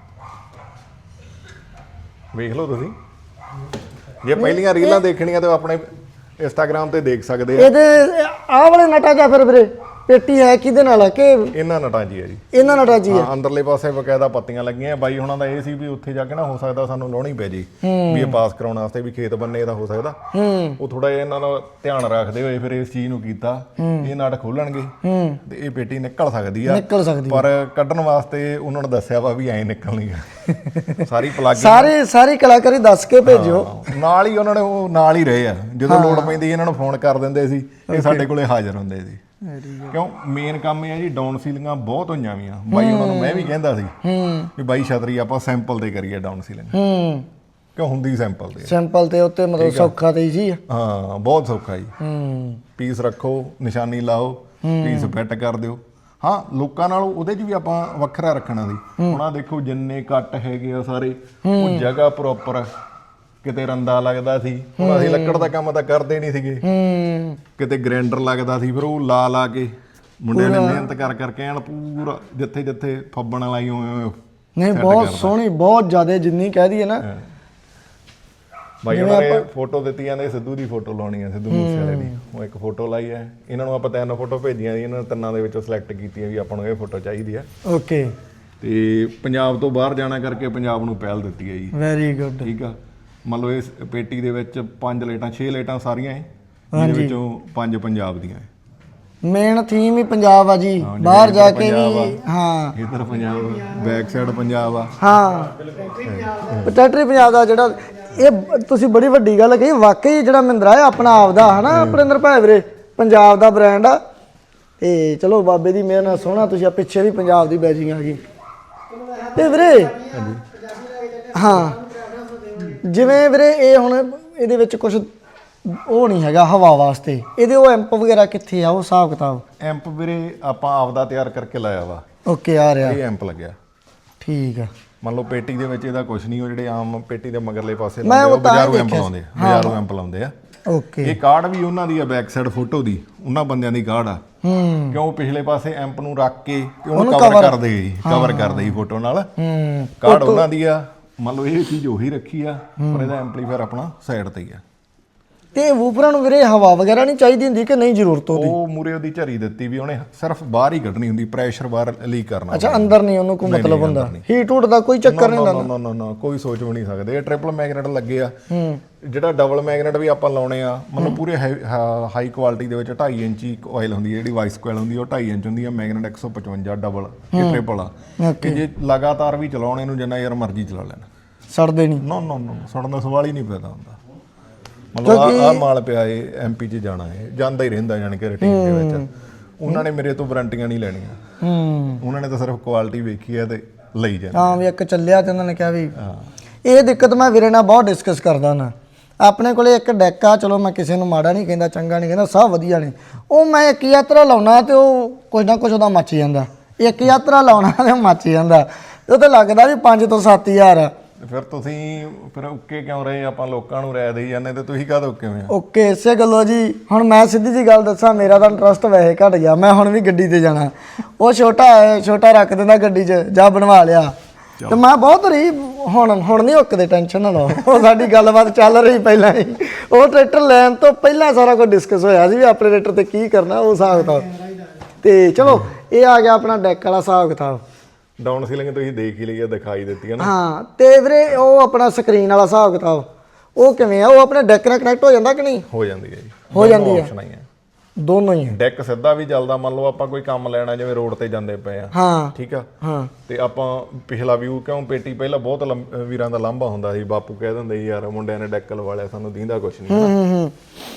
C: ਵੇਖ ਲਓ ਤੁਸੀਂ, ਜੇ ਪਹਿਲੀਆਂ ਰੀਲਾਂ ਦੇਖਣੀਆਂ ਤਾਂ ਆਪਣੇ ਇੰਸਟਾਗ੍ਰਾਮ ਤੇ ਦੇਖ ਸਕਦੇ ਆ।
A: ਇਹਦੇ ਆਹ ਵਾਲੇ ਨਟਾ ਜਾਂ ਫਿਰ ਵੀਰੇ ਪੇਟੀ ਹੈ ਕਿਹਦੇ ਨਾਲ ਆ ਕਿ
C: ਇਹਨਾਂ ਨਟਾਂ ਜੀ ਆ ਜੀ,
A: ਇਹਨਾਂ ਨਟਾ ਜੀ ਆ?
C: ਹਾਂ, ਅੰਦਰਲੇ ਪਾਸੇ ਬਕਾਇਦਾ ਪੱਤੀਆਂ ਲੱਗੀਆਂ। ਬਾਈ ਹੁਣਾਂ ਦਾ ਇਹ ਸੀ ਵੀ ਉੱਥੇ ਜਾ ਕੇ ਨਾ ਹੋ ਸਕਦਾ ਸਾਨੂੰ ਲਾਉਣੀ ਪੈ ਜੀ, ਵੀ ਇਹ ਪਾਸ ਕਰਾਉਣ ਵਾਸਤੇ ਵੀ ਖੇਤ ਬੰਨੇ ਦਾ ਹੋ ਸਕਦਾ। ਉਹ ਥੋੜਾ ਜਿਹਾ ਇਹਨਾਂ ਦਾ ਧਿਆਨ ਰੱਖਦੇ ਹੋਏ ਫਿਰ ਇਸ ਚੀਜ਼ ਨੂੰ ਕੀਤਾ। ਇਹ ਨਟ ਖੋਲਣਗੇ ਤੇ ਇਹ ਪੇਟੀ ਨਿਕਲ ਸਕਦੀ ਆ,
A: ਨਿਕਲ ਸਕਦੀ
C: ਪਰ ਕੱਢਣ ਵਾਸਤੇ ਉਹਨਾਂ ਨੇ ਦੱਸਿਆ ਵਾ ਵੀ ਐਂ ਨਿਕਲਣੀ ਆ। ਸਾਰੀ ਪਲੱਗ
A: ਸਾਰੀ ਕਲਾਕਾਰੀ ਦੱਸ ਕੇ ਭੇਜਿਓ।
C: ਨਾਲ ਹੀ ਉਹਨਾਂ ਨੇ ਉਹ ਨਾਲ ਹੀ ਰਹੇ ਆ, ਜਦੋਂ ਲੋੜ ਪੈਂਦੀ ਇਹਨਾਂ ਨੂੰ ਫੋਨ ਕਰ ਦਿੰਦੇ ਸੀ, ਇਹ ਸਾਡੇ ਕੋਲੇ ਹਾਜ਼ਰ ਹੁੰਦੇ ਸੀ। ਕਿਉਂ ਮੇਨ ਕੰਮ ਇਹ ਆ ਜੀ, ਡਾਊਨ ਸੀਲਿੰਗਾਂ ਬਹੁਤ ਹੋਈਆਂ ਵੀਆਂ। ਬਾਈ ਉਹਨਾਂ ਨੂੰ ਮੈਂ ਵੀ ਕਹਿੰਦਾ ਸੀ ਵੀ ਬਾਈ ਛਤਰੀ ਆਪਾਂ ਸੈਂਪਲ ਤੇ ਕਰੀਏ ਡਾਊਨ ਸੀਲਿੰਗ, ਕਿਉਂ ਹੁੰਦੀ ਸੈਂਪਲ ਤੇ।
A: ਸੈਂਪਲ ਤੇ ਉੱਤੇ ਮਤਲਬ ਸੌਖਾ ਤੇ ਜੀ।
C: ਹਾਂ, ਬਹੁਤ ਸੌਖਾ ਜੀ। ਪੀਸ ਰੱਖੋ, ਨਿਸ਼ਾਨੀ ਲਾਓ, ਪੀਸ ਫਿੱਟ ਕਰ ਦਿਓ। ਹਾਂ, ਲੋਕਾਂ ਨਾਲੋਂ ਉਹਦੇ 'ਚ ਵੀ ਆਪਾਂ ਵੱਖਰਾ ਰੱਖਣਾ ਸੀ। ਹੁਣ ਆਹ ਦੇਖੋ ਜਿੰਨੇ ਕੱਟ ਹੈਗੇ ਆ ਸਾਰੇ, ਉਹ ਜਗ੍ਹਾ ਪ੍ਰੋਪਰ, ਕਿਤੇ ਰੰਦਾ ਲੱਗਦਾ ਸੀ। ਹੁਣ ਅਸੀਂ ਲੱਕੜ ਦਾ ਕੰਮ ਤਾਂ ਕਰਦੇ ਨਹੀਂ ਸੀਗੇ, ਕਿਤੇ ਗ੍ਰਾਈਂਡਰ ਲੱਗਦਾ ਸੀ, ਫਿਰ ਉਹ ਲਾ ਕੇ ਮੁੰਡਿਆਂ ਨੇ ਮਿਹਨਤ ਕਰ ਕਰਕੇ ਐਨ ਪੂਰਾ ਜਿੱਥੇ ਜਿੱਥੇ ਫੱਬਣ ਲਾਈ ਉਵੇਂ।
A: ਨਹੀਂ, ਬਹੁਤ ਸੋਹਣੀ, ਬਹੁਤ ਜ਼ਿਆਦਾ, ਜਿੰਨੀ ਕਹਿ ਦਈਏ ਨਾ।
C: ਬਾਈ ਉਹਨਾਂ ਨੇ ਫੋਟੋ ਦਿੱਤੀ, ਜਾਂਦੇ ਸਿੱਧੂ ਦੀ ਫੋਟੋ ਲਾਉਣੀ ਆ, ਸਿੱਧੂ ਮੂਸੇ ਵਾਲੇ ਦੀ। ਉਹ ਇੱਕ ਫੋਟੋ ਲਾਈ ਹੈ। ਇਹਨਾਂ ਨੂੰ ਆਪਾਂ 3 ਫੋਟੋ ਭੇਜੀਆਂ ਸੀ, ਇਹਨਾਂ ਨੇ 3 ਦੇ ਵਿੱਚੋਂ ਸਿਲੈਕਟ ਕੀਤੀਆਂ ਵੀ ਆਪਾਂ ਨੂੰ ਇਹ ਫੋਟੋ ਚਾਹੀਦੀ ਆ।
A: ਓਕੇ।
C: ਤੇ ਪੰਜਾਬ ਤੋਂ ਬਾਹਰ ਜਾਣਾ ਕਰਕੇ ਪੰਜਾਬ ਨੂੰ ਪਹਿਲ ਦਿੱਤੀ ਹੈ ਜੀ।
A: Very good.
C: ਠੀਕ ਆ, ਮੰਨ ਲਓ ਇਸ ਪੇਟੀ ਦੇ ਵਿੱਚ 5 ਲਾਈਟਾਂ 6 ਲਾਈਟਾਂ ਸਾਰੀਆਂ ਹੈ, ਜਿਹਦੇ ਵਿੱਚੋਂ 5 ਪੰਜਾਬ ਦੀਆਂ ਹੈ।
A: ਮੇਨ ਥੀਮ ਹੀ ਪੰਜਾਬ ਆ ਜੀ, ਬਾਹਰ ਜਾ ਕੇ ਵੀ। ਹਾਂ,
C: ਇਧਰ ਪੰਜਾਬ, ਬੈਕ ਸਾਈਡ ਪੰਜਾਬ ਆ।
A: ਹਾਂ, ਟੈਟਰੀ ਪੰਜਾਬ ਦਾ ਜਿਹੜਾ ਇਹ ਤੁਸੀਂ ਬੜੀ ਵੱਡੀ ਗੱਲ ਕਹੀ। ਵਾਕਈ ਜਿਹੜਾ ਮਹਿੰਦਰਾ ਹੈ ਆਪਣਾ ਆਪ ਦਾ, ਹਨਾ, ਅਪਰਿੰਦਰ ਭਾਈ ਵੀਰੇ, ਪੰਜਾਬ ਦਾ ਬ੍ਰਾਂਡ ਆ। ਤੇ ਚਲੋ ਬਾਬੇ ਦੀ ਮਿਹਰ ਨਾਲ ਸੋਹਣਾ ਤੁਸੀਂ ਆ ਪਿੱਛੇ ਵੀ ਪੰਜਾਬ ਦੀ ਬੈਜਿੰਗ ਆ ਗਈ ਤੇ ਵੀਰੇ ਹਾਂ ਜਿਵੇਂ ਵੀਰੇ ਇਹ ਹੁਣ ਇਹਦੇ ਵਿੱਚ ਕੁਝ ਉਹ ਨਹੀਂ ਹੈਗਾ ਹਵਾ ਵਾਸਤੇ ਇਹਦੇ ਉਹ ਐਂਪ ਵਗੈਰਾ ਕਿੱਥੇ ਆ ਉਹ ਹਿਸਾਬ ਕਿਤਾਬ
C: ਐਂਪ ਵੀਰੇ ਆਪਾਂ ਆਪਦਾ ਤਿਆਰ ਕਰਕੇ ਲਾਇਆ ਵਾ
A: ਓਕੇ ਆ ਰਿਹਾ
C: ਇਹ ਐਂਪ ਲੱਗਿਆ
A: ਠੀਕ ਆ
C: ਮੰਨ ਲਓ ਪੇਟੀ ਦੇ ਵਿੱਚ ਇਹਦਾ ਕੁਝ ਨਹੀਂ ਉਹ ਜਿਹੜੇ ਆਮ ਪੇਟੀ ਦੇ ਮਗਰਲੇ ਪਾਸੇ
A: ਮੈਂ
C: ਲਾਉਂਦੇ
A: ਉਹ
C: ਉਹ
A: ਤਾਂ
C: ਬਾਜ਼ਾਰੂ ਐਂਪ
A: ਦੇਖਿਆ
C: ਲਾਉਂਦੇ ਬਾਜ਼ਾਰੂ ਐਂਪ ਲਾਉਂਦੇ ਆ
A: ਓਕੇ
C: ਇਹ ਕਾਰਡ ਵੀ ਉਹਨਾਂ ਦੀ ਆ ਬੈਕ ਸਾਈਡ ਫੋਟੋ ਦੀ ਉਹਨਾਂ ਬੰਦਿਆਂ ਦੀ ਕਾਰਡ ਆ ਕਿਉਂ ਪਿਛਲੇ ਪਾਸੇ ਐਂਪ ਨੂੰ ਰੱਖ ਕੇ ਤੇ ਉਹਨੂੰ ਕਵਰ ਕਰਦੇ ਜੀ ਕਵਰ ਕਰਦੇ ਜੀ ਫੋਟੋ ਨਾਲ ਕਾਰਡ ਉਹਨਾਂ ਦੀ ਆ ਮੰਨ ਲਓ ਇਹ ਚੀਜ਼ ਉਹੀ ਰੱਖੀ ਆ ਪਰ ਇਹਦਾ ਐਂਪਲੀਫਾਇਰ ਆਪਣਾ ਸਾਈਡ ਤੇ ਹੀ ਆ
A: ਤੇ ਵੂਫਰਾਂ ਨੂੰ ਵੀਰੇ ਹਵਾ ਵਗੈਰਾ ਨਹੀਂ ਚਾਹੀਦੀ ਹੁੰਦੀ ਕਿ ਨਹੀਂ ਜ਼ਰੂਰਤ ਉਹਦੀ
C: ਉਹ ਮੂਰੇ ਉਹਦੀ ਝਰੀ ਦਿੱਤੀ ਵੀ ਉਹਨੇ ਸਿਰਫ ਬਾਹਰ ਹੀ ਕੱਢਣੀ ਹੁੰਦੀ ਪ੍ਰੈਸ਼ਰ ਬਾਹਰ ਲੀਕ ਕਰਨਾ
A: ਅੱਛਾ ਅੰਦਰ ਨਹੀਂ ਉਹਨੂੰ ਕੋਈ ਮਤਲਬ ਹੁੰਦਾ ਹੀਟ ਹੂਟ ਦਾ ਕੋਈ ਚੱਕਰ ਨਹੀਂ ਹੁੰਦਾ
C: ਨਾ ਕੋਈ ਸੋਚ ਵੀ ਨਹੀਂ ਸਕਦੇ ਇਹ ਟ੍ਰਿਪਲ ਮੈਗਨੇਟ ਲੱਗੇ ਆ ਜਿਹੜਾ ਡਬਲ ਮੈਗਨੇਟ ਵੀ ਆਪਾਂ ਲਾਉਣੇ ਆ ਮਤਲਬ ਪੂਰੇ ਹਾਈ ਕੁਆਲਿਟੀ ਦੇ ਵਿੱਚ 2.5 ਇੰਚੀ ਕੋਇਲ ਹੁੰਦੀ ਹੈ ਜਿਹੜੀ ਵਾਈਸ ਕੋਇਲ ਹੁੰਦੀ ਉਹ 2.5 ਇੰਚ ਹੁੰਦੀ ਆ ਮੈਗਨੇਟ 155 ਡਬਲ ਇਹ ਟ੍ਰਿਪਲ ਆ ਕਿ ਜੇ ਲਗਾਤਾਰ ਵੀ ਚਲਾਉਣੇ ਨੂੰ ਜਿੰਨਾ ਯਾਰ ਮਰਜ਼ੀ ਚਲਾ ਲੈਣਾ
A: ਸੜਦੇ ਨਹੀਂ
C: ਨੋ ਸੜਨ ਦਾ ਸਵਾਲ ਹੀ ਨਹੀਂ ਪੈਦਾ ਹੁੰਦਾ ਮਤਲਬ ਆ ਮਾਲ ਪਿਆ ਏ ਐਮਪੀ 'ਚ ਜਾਣਾ ਏ ਜਾਂਦਾ ਹੀ ਰਹਿੰਦਾ ਜਾਣ ਕੇ ਰੂਟੀਨ ਦੇ ਵਿੱਚ ਉਹਨਾਂ ਨੇ ਮੇਰੇ ਤੋਂ ਵਾਰੰਟੀਆਂ ਨਹੀਂ ਲੈਣੀਆਂ ਉਹਨਾਂ ਨੇ ਤਾਂ ਸਿਰਫ ਕੁਆਲਿਟੀ ਵੇਖੀ ਹੈ ਤੇ ਲਈ ਜਾਣਾ
A: ਹਾਂ ਵੀ ਇੱਕ ਚੱਲਿਆ ਤੇ ਉਹਨਾਂ ਨੇ ਕਿਹਾ ਵੀ ਇਹ ਦਿੱਕਤ ਮੈਂ ਵੀਰੇ ਨਾਲ ਬਹੁਤ ਡਿਸਕਸ ਕਰਦਾ ਨਾ ਆਪਣੇ ਕੋਲੇ ਇੱਕ ਡੈਕ ਆ ਚਲੋ ਮੈਂ ਕਿਸੇ ਨੂੰ ਮਾੜਾ ਨਹੀਂ ਕਹਿੰਦਾ ਚੰਗਾ ਨਹੀਂ ਕਹਿੰਦਾ ਸਭ ਵਧੀਆ ਨੇ ਉਹ ਮੈਂ ਇੱਕ ਯਾਤਰਾ ਲਾਉਣਾ ਤੇ ਉਹ ਕੁਝ ਨਾ ਕੁਝ ਉਹਦਾ ਮੱਚ ਜਾਂਦਾ ਇੱਕ ਯਾਤਰਾ ਲਾਉਣਾ ਤੇ ਮੱਚ ਜਾਂਦਾ ਉਹ ਤਾਂ ਲੱਗਦਾ ਵੀ 5 ਤੋਂ 7 ਹਜ਼ਾਰ ਆ
C: ਫਿਰ ਤੁਸੀਂ ਫਿਰ ਓਕੇ ਕਿਉਂ ਰਹੇ ਆਪਾਂ ਲੋਕਾਂ ਨੂੰ ਰਾਇ ਦੇਈ ਜਾਂਦੇ ਤੇ ਤੁਸੀਂ ਕਾਹਦੋਂ ਕਿਵੇਂ ਆ
A: ਓਕੇ ਇਸੇ ਗੱਲੋਂ ਜੀ ਹੁਣ ਮੈਂ ਸਿੱਧੀ ਜੀ ਗੱਲ ਦੱਸਾਂ ਮੇਰਾ ਤਾਂ ਇੰਟਰਸਟ ਵੈਸੇ ਘਟ ਗਿਆ ਮੈਂ ਹੁਣ ਵੀ ਗੱਡੀ ਤੇ ਜਾਣਾ ਉਹ ਛੋਟਾ ਰੱਖ ਦਿੰਦਾ ਗੱਡੀ 'ਚ ਜਾ ਬਣਵਾ ਲਿਆ ਤੇ ਮੈਂ ਬਹੁਤ ਰਹੀ ਹੁਣ ਨਹੀਂ ਓਕਦੇ ਟੈਨਸ਼ਨ ਨਾ ਲਓ ਉਹ ਸਾਡੀ ਗੱਲਬਾਤ ਚੱਲ ਰਹੀ ਪਹਿਲਾਂ ਹੀ ਉਹ ਟਰੈਕਟਰ ਲੈਣ ਤੋਂ ਪਹਿਲਾਂ ਸਾਰਾ ਕੁਝ ਡਿਸਕਸ ਹੋਇਆ ਸੀ ਵੀ ਆਪਣੇ ਟਰੈਕਟਰ ਤੇ ਕੀ ਕਰਨਾ ਉਹ ਹਿਸਾਬ ਕਿਤਾਬ ਤੇ ਚਲੋ ਇਹ ਆ ਗਿਆ ਆਪਣਾ ਡੈਕ ਵਾਲਾ ਹਿਸਾਬ ਕਿਤਾਬ
C: ਡਾਊਨ ਸੀਲਿੰਗ ਤੁਸੀਂ ਦੇਖ ਹੀ ਲਈ ਆ ਦਿਖਾਈ ਦਿੱਤੀ ਹੈ ਨਾ
A: ਹਾਂ ਤੇ ਵੀਰੇ ਉਹ ਆਪਣਾ ਸਕਰੀਨ ਵਾਲਾ ਹਿਸਾਬ ਕਿਤਾਬ ਉਹ ਕਿਵੇਂ ਆ ਉਹ ਆਪਣੇ ਡੈਕ ਨਾਲ ਕਨੈਕਟ ਹੋ ਜਾਂਦਾ ਕਿ ਨਹੀਂ
C: ਹੋ ਜਾਂਦੀ ਹੈ ਜੀ
A: ਹੋ ਜਾਂਦੀ ਹੈ
C: ਆਪਸ਼ਨ ਆਈ ਹੈ
A: ਦੋਨੋਂ ਹੀ
C: ਡੈਕ ਸਿੱਧਾ ਵੀ ਚੱਲਦਾ ਮੰਨ ਲਓ ਆਪਾਂ ਕੋਈ ਕੰਮ ਲੈਣਾ ਜਿਵੇਂ ਰੋਡ ਤੇ ਜਾਂਦੇ ਪਏ ਆ
A: ਹਾਂ
C: ਠੀਕ ਆ
A: ਹਾਂ
C: ਤੇ ਆਪਾਂ ਪਿਛਲਾ ਵਿਊ ਕਿਉਂ ਪੇਟੀ ਪਹਿਲਾਂ ਬਹੁਤ ਵੀਰਾਂ ਦਾ ਲਾਂਭਾ ਹੁੰਦਾ ਸੀ ਬਾਪੂ ਕਹਿ ਦਿੰਦੇ ਸੀ ਯਾਰ ਮੁੰਡਿਆਂ ਨੇ ਡੈਕ ਲਵਾ ਲਿਆ ਸਾਨੂੰ ਦੀਂਦਾ ਕੁਝ ਨਹੀਂ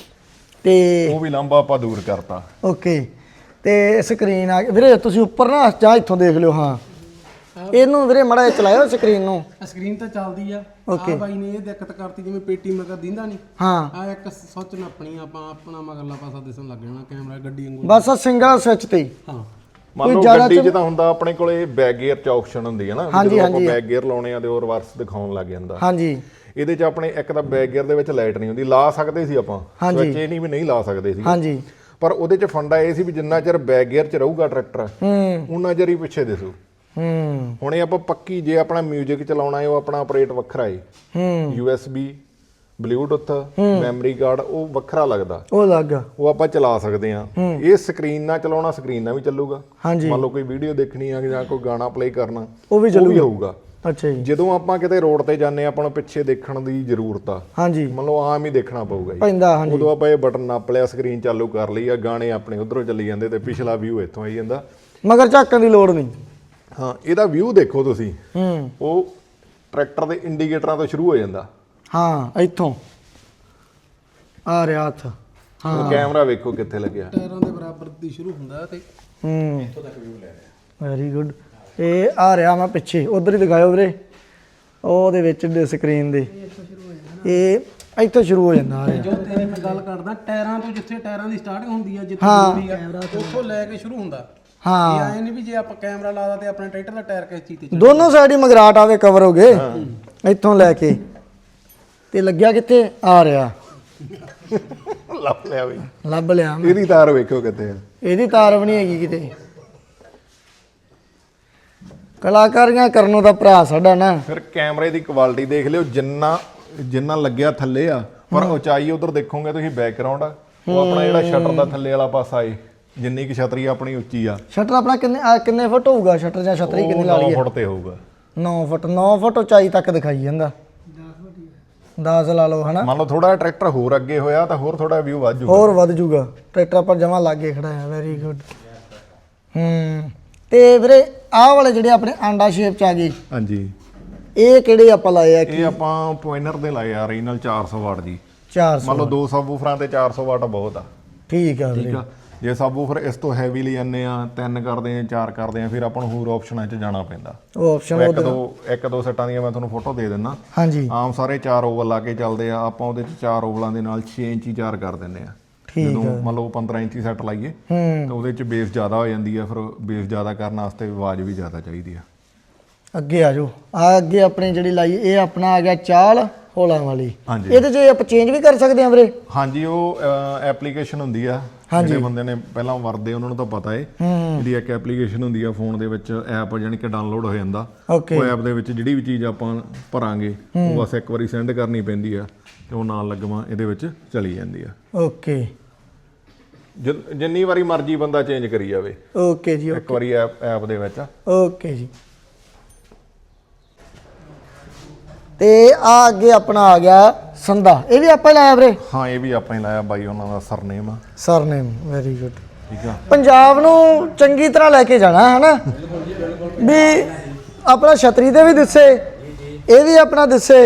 A: ਤੇ
C: ਉਹ ਵੀ ਲਾਂਭਾ ਆਪਾਂ ਦੂਰ ਕਰਤਾ
A: ਓਕੇ ਤੇ ਸਕਰੀਨ ਆ ਵੀਰੇ ਤੁਸੀਂ ਉੱਪਰ ਨਾ ਜਾਂ ਇੱਥੋਂ ਦੇਖ ਲਿਓ ਹਾਂ ਇਹਨੂੰ ਵੀਰੇ ਮੜਾ ਚਲਾਇਓ ਸਕਰੀਨ ਨੂੰ
D: ਸਕਰੀਨ ਤਾਂ ਚੱਲਦੀ ਆ
A: ਓਕੇ
D: ਬਾਈ ਨੇ ਇਹ ਦਿੱਕਤ ਕਰਤੀ ਜਿਵੇਂ ਪੇਟੀ ਮਗਰ ਦਿੰਦਾ ਨਹੀਂ
A: ਹਾਂ
D: ਆ ਇੱਕ ਸੋਚ ਨੱਪਣੀ ਆਪਾਂ ਆਪਣਾ ਮਗਰਲਾ ਪਾਸਾ ਦਿਸਣ ਲੱਗ ਜਾਣਾ ਕੈਮਰਾ ਗੱਡੀ ਵਾਂਗੂ
A: ਬਸ ਸਿੰਗਲ ਸਵਿਚ ਤੇ ਹੀ
D: ਹਾਂ
C: ਮੰਨ ਲਓ ਗੱਡੀ 'ਚ ਤਾਂ ਹੁੰਦਾ ਆਪਣੇ ਕੋਲੇ ਬੈਕ ਗੇਅਰ 'ਚ ਆਪਸ਼ਨ ਹੁੰਦੀ ਹੈ ਨਾ ਜਦੋਂ ਆਪਾਂ ਬੈਕ ਗੇਅਰ ਲਾਉਣੇ ਆ ਤੇ ਉਹ ਰਿਵਰਸ ਦਿਖਾਉਣ ਲੱਗ ਜਾਂਦਾ
A: ਹਾਂਜੀ
C: ਇਹਦੇ 'ਚ ਆਪਣੇ ਇੱਕ ਤਾਂ ਬੈਕ ਗੇਅਰ ਦੇ ਵਿੱਚ ਲਾਈਟ ਨਹੀਂ ਹੁੰਦੀ ਲਾ ਸਕਦੇ ਸੀ ਆਪਾਂ ਸਵਿਚ ਇਹ ਨਹੀਂ ਵੀ ਨਹੀਂ ਲਾ ਸਕਦੇ ਸੀ
A: ਹਾਂਜੀ
C: ਪਰ ਉਹਦੇ 'ਚ ਫੰਡਾ ਇਹ ਸੀ ਵੀ ਜਿੰਨਾ ਚਿਰ ਬੈਕ ਗੇਅਰ 'ਚ ਰਹੂਗਾ ਟਰੈਕਟਰ ਉਹਨਾਂ ਚਿਰ ਹੀ ਪਿੱਛੇ ਦਿਸੂ ਹੁਣ ਇਹ ਆਪਾਂ ਪੱਕੀ ਜੇ ਆਪਣਾ 뮤직 ਚਲਾਉਣਾ ਹੈ ਉਹ ਆਪਣਾ ਆਪਰੇਟ ਵੱਖਰਾ ਹੈ USB ਬਲੂਟੁੱਥ ਮੈਮਰੀ ਕਾਰਡ ਉਹ ਵੱਖਰਾ ਲੱਗਦਾ
A: ਉਹ ਲੱਗ
C: ਉਹ ਆਪਾਂ ਚਲਾ ਸਕਦੇ ਆ ਇਹ ਸਕਰੀਨ ਨਾਲ ਚਲਾਉਣਾ ਸਕਰੀਨ ਨਾਲ ਵੀ ਚੱਲੂਗਾ
A: ਹਾਂਜੀ
C: ਮੰਨ ਲਓ ਕੋਈ ਵੀਡੀਓ ਦੇਖਣੀ ਆ ਜਾਂ ਕੋਈ ਗਾਣਾ ਪਲੇ ਕਰਨਾ
A: ਉਹ ਵੀ
C: ਹੋਊਗਾ
A: ਅੱਛਾ ਜੀ
C: ਜਦੋਂ ਆਪਾਂ ਕਿਤੇ ਰੋਡ ਤੇ ਜਾਂਦੇ ਆਪਾਂ ਨੂੰ ਪਿੱਛੇ ਦੇਖਣ ਦੀ ਜ਼ਰੂਰਤ ਆ
A: ਹਾਂਜੀ
C: ਮੰਨ ਲਓ ਆਮ ਹੀ ਦੇਖਣਾ ਪਊਗਾ ਜੀ
A: ਪੈਂਦਾ ਹਾਂਜੀ
C: ਉਦੋਂ ਆਪਾਂ ਇਹ ਬਟਨ ਨੱਪ ਲਿਆ ਸਕਰੀਨ ਚਾਲੂ ਕਰ ਲਈ ਆ ਗਾਣੇ ਆਪਣੇ ਉਧਰੋਂ ਚੱਲੀ ਜਾਂਦੇ ਤੇ ਪਿਛਲਾ ਵਿਊ ਇੱਥੋਂ ਆਈ ਜਾਂਦਾ
A: ਮਗਰ ਝਾਕਣ ਦੀ ਲੋੜ ਨਹੀਂ
C: ਹਾਂ ਇਹਦਾ ਵਿਊ ਦੇਖੋ ਤੁਸੀਂ ਉਹ ਟਰੈਕਟਰ ਦੇ ਇੰਡੀਕੇਟਰਾਂ ਤੋਂ ਸ਼ੁਰੂ ਹੋ ਜਾਂਦਾ
A: ਹਾਂ ਇੱਥੋਂ ਆ ਰਿਹਾ ਹੱਥ
C: ਹਾਂ ਕੈਮਰਾ ਵੇਖੋ ਕਿੱਥੇ ਲੱਗਿਆ
D: ਟਾਇਰਾਂ ਦੇ ਬਰਾਬਰ ਦੀ ਸ਼ੁਰੂ ਹੁੰਦਾ ਤੇ
B: ਇੱਥੋਂ ਤੱਕ ਵਿਊ ਲੈ ਰਿਹਾ
A: ਵੈਰੀ ਗੁੱਡ ਇਹ ਆ ਰਿਹਾ ਮੈਂ ਪਿੱਛੇ ਉਧਰ ਹੀ ਦਿਖਾਇਓ ਵੀਰੇ ਉਹਦੇ ਵਿੱਚ ਸਕਰੀਨ ਦੇ ਇਹ ਇੱਥੋਂ ਸ਼ੁਰੂ ਹੋ ਜਾਂਦਾ ਆ ਰਿਹਾ
D: ਜੋ ਤੇਰੀ ਮੈਂ ਗੱਲ ਕਰਦਾ ਟਾਇਰਾਂ ਤੋਂ ਜਿੱਥੇ ਟਾਇਰਾਂ ਦੀ ਸਟਾਰਟਿੰਗ ਹੁੰਦੀ ਆ ਜਿੱਥੇ ਹੁੰਦੀ ਆ ਉੱਥੋਂ ਲੈ ਕੇ ਸ਼ੁਰੂ ਹੁੰਦਾ
A: ਹਾਂ
D: ਇਹ ਐ ਨਹੀਂ ਵੀ ਜੇ ਆਪਾਂ ਕੈਮਰਾ ਲਾਦਾ ਤੇ ਆਪਣੇ ਟਰੈਕਟਰ ਦਾ ਟਾਇਰ ਕਿਸ ਚੀਜ਼ ਤੇ
A: ਦੋਨੋਂ ਸਾਈਡ ਹੀ ਮਗਰਾਟ ਆਵੇ ਕਵਰ ਹੋ ਗਏ ਇੱਥੋਂ ਲੈ ਕੇ ਤੇ ਲੱਗਿਆ ਕਿੱਥੇ ਆ ਰਿਹਾ
C: ਲੱਭ ਲਿਆ ਬਈ
A: ਲੱਭ ਲਿਆ ਮੈਂ।
C: ਇਹਦੀ ਤਾਰ ਵੇਖੋ ਕਿੱਥੇ ਆ
A: ਇਹਦੀ ਤਾਰ ਵੀ ਨਹੀਂ ਹੈਗੀ ਕਿਤੇ ਕਲਾਕਾਰੀਆਂ ਕਰਨੋਂ ਦਾ ਭਰਾ ਸਾਡਾ ਨਾ
C: ਫਿਰ ਕੈਮਰੇ ਦੀ ਕੁਆਲਿਟੀ ਦੇਖ ਲਿਓ ਜਿੰਨਾ ਲੱਗਿਆ ਥੱਲੇ ਆ ਪਰ ਉਚਾਈ ਉਧਰ ਦੇਖੋਗੇ ਤੁਸੀਂ ਬੈਕਗ੍ਰਾਉਂਡ ਆ ਉਹ ਆਪਣਾ ਜਿਹੜਾ ਸ਼ਟਰ ਦਾ ਥੱਲੇ ਵਾਲਾ ਪਾਸਾ ਏ ਜਿੰਨੀ ਕਿ ਛਤਰੀ ਆਪਣੀ ਉੱਚੀ ਆ
A: ਸ਼ਟਰ ਆਪਣਾ ਕਿੰਨੇ ਫੁੱਟ ਹੋਊਗਾ ਸ਼ਟਰ ਜਾਂ ਛਤਰੀ ਕਿੰਨੀ ਲਾ
C: 9
A: ਲਈ
C: ਫੁੱਟ ਤੇ ਹੋਊਗਾ
A: 9 ਫੁੱਟ ਉਚਾਈ ਤੱਕ ਦਿਖਾਈ ਜਾਂਦਾ 10 ਲਾ ਲਓ ਹਨਾ
C: ਮੰਨ ਲਓ ਥੋੜਾ ਟਰੈਕਟਰ ਹੋਰ ਅੱਗੇ ਹੋਇਆ ਤਾਂ ਹੋਰ ਥੋੜਾ ਵਿਊ ਵੱਧ ਜੂਗਾ
A: ਹੋਰ ਵੱਧ ਜੂਗਾ ਟਰੈਕਟਰ ਪਰ ਜਮਾ ਲਾਗੇ ਖੜਾ ਹੈ ਵੈਰੀ ਗੁੱਡ ਤੇ ਵੀਰੇ ਆਹ ਵਾਲੇ ਜਿਹੜੇ ਆਪਣੇ ਆਂਡਾ ਸ਼ੇਪ ਚ ਆ ਗਏ
C: ਹਾਂਜੀ
A: ਇਹ ਕਿਹੜੇ ਆਪਾਂ ਲਾਏ ਆ
C: ਇਹ ਆਪਾਂ ਪੁਆਇੰਟਰ ਦੇ ਲਾਏ ਆ ਰੀਨਲ 400 ਵਾਟ ਜੀ
A: 400
C: ਮੰਨ ਲਓ 200 ਵੂਫਰਾਂ ਤੇ 400 ਵਾਟ ਬਹੁਤ ਆ
A: ਠੀਕ ਆ
C: ਠੀਕ
A: ਵੀਰੇ
C: ਆ ਜੇ ਸਬਵੂਫਰ ਇਸ ਤੋਂ ਹੈਵੀ ਲਈ ਜਾਂਦੇ ਆ 3 ਕਰਦੇ ਆ 4 ਕਰਦੇ ਆ ਫਿਰ ਆਪਾਂ ਨੂੰ ਹੋਰ ਆਪਸ਼ਨਾਂ 'ਚ ਜਾਣਾ ਪੈਂਦਾ।
A: ਉਹ ਆਪਸ਼ਨ
C: ਇੱਕ ਦੋ ਸੈੱਟਾਂ ਦੀਆਂ ਮੈਂ ਤੁਹਾਨੂੰ ਫੋਟੋ ਦੇ ਦਿੰਦਾ।
A: ਹਾਂਜੀ ਆਮ
C: ਸਾਰੇ 4 ਓਵਲ ਲਾ ਕੇ ਚੱਲਦੇ ਆ, ਆਪਾਂ ਉਹਦੇ 'ਚ 4 ਓਵਲਾਂ ਦੇ ਨਾਲ 6 ਇੰਚੀ 4 ਕਰ ਦਿੰਦੇ ਆ। ਜਦੋਂ ਮੰਨ ਲਓ 15 ਇੰਚੀ ਸੈੱਟ ਲਾਈਏ ਤਾਂ ਉਹਦੇ 'ਚ ਬੇਸ ਜ਼ਿਆਦਾ ਹੋ ਜਾਂਦੀ ਆ, ਫਿਰ ਬੇਸ ਜ਼ਿਆਦਾ ਕਰਨ ਵਾਸਤੇ ਆਵਾਜ਼ ਵੀ ਜ਼ਿਆਦਾ ਚਾਹੀਦੀ ਆ।
A: ਅੱਗੇ ਆ ਜਾਓ, ਆ ਅੱਗੇ ਆਪਣੀ ਜਿਹੜੀ ਲਾਈ ਇਹ ਆਪਣਾ ਆ ਗਿਆ ਚਾਲ ਹੋਲਾਂ ਵਾਲੀ।
C: ਹਾਂਜੀ
A: ਇਹਦੇ 'ਚ ਆਪਾਂ ਚੇਂਜ ਵੀ ਕਰ ਸਕਦੇ ਹਾਂ ਵੀਰੇ?
C: ਹਾਂਜੀ ਉਹ ਐਪਲੀਕੇਸ਼ਨ ਹੁੰਦੀ ਆ, ਜਿਹੜੇ ਬੰਦੇ ਨੇ ਪਹਿਲਾਂ ਵਰਦੇ ਉਹਨਾਂ ਨੂੰ ਤਾਂ ਪਤਾ ਏ। ਇਹਦੀ ਇੱਕ ਐਪਲੀਕੇਸ਼ਨ ਹੁੰਦੀ ਆ ਫੋਨ ਦੇ ਵਿੱਚ, ਐਪ ਜਾਨੀ ਕਿ ਡਾਊਨਲੋਡ ਹੋ ਜਾਂਦਾ। ਉਹ ਐਪ ਦੇ ਵਿੱਚ ਜਿਹੜੀ ਵੀ ਚੀਜ਼ ਆਪਾਂ ਭਰਾਂਗੇ ਉਹ ਬਸ ਇੱਕ ਵਾਰੀ ਸੈਂਡ ਕਰਨੀ ਪੈਂਦੀ ਆ ਤੇ ਉਹ ਨਾਲ ਲੱਗਵਾ ਇਹਦੇ ਵਿੱਚ ਚਲੀ ਜਾਂਦੀ ਆ।
A: ਓਕੇ,
C: ਜਿੰਨੀ ਵਾਰੀ ਮਰਜ਼ੀ ਬੰਦਾ ਚੇਂਜ ਕਰੀ ਜਾਵੇ।
A: ਓਕੇ ਜੀ,
C: ਇੱਕ ਵਾਰੀ ਐਪ ਦੇ ਵਿੱਚ।
A: ਓਕੇ ਜੀ। ਤੇ ਆ ਅੱਗੇ ਆਪਣਾ ਆ ਗਿਆ ਸੰਧਾ, ਇਹ ਵੀ ਆਪਾਂ ਲਾਇਆ ਵੀਰੇ?
C: ਹਾਂ ਇਹ ਵੀ ਆਪਾਂ ਹੀ ਲਾਇਆ ਬਾਈ, ਉਹਨਾਂ ਦਾ ਸਰਨੇਮ ਆ।
A: Surname, very good.
C: ਠੀਕ ਆ,
A: ਪੰਜਾਬ ਨੂੰ ਚੰਗੀ ਤਰ੍ਹਾਂ ਲੈ ਕੇ ਜਾਣਾ ਹੈ ਨਾ, ਵੀ ਆਪਣਾ ਛਤਰੀ ਦੇ ਵੀ ਦਿਸੇ, ਇਹ ਵੀ ਆਪਣਾ ਦਿਸੇ।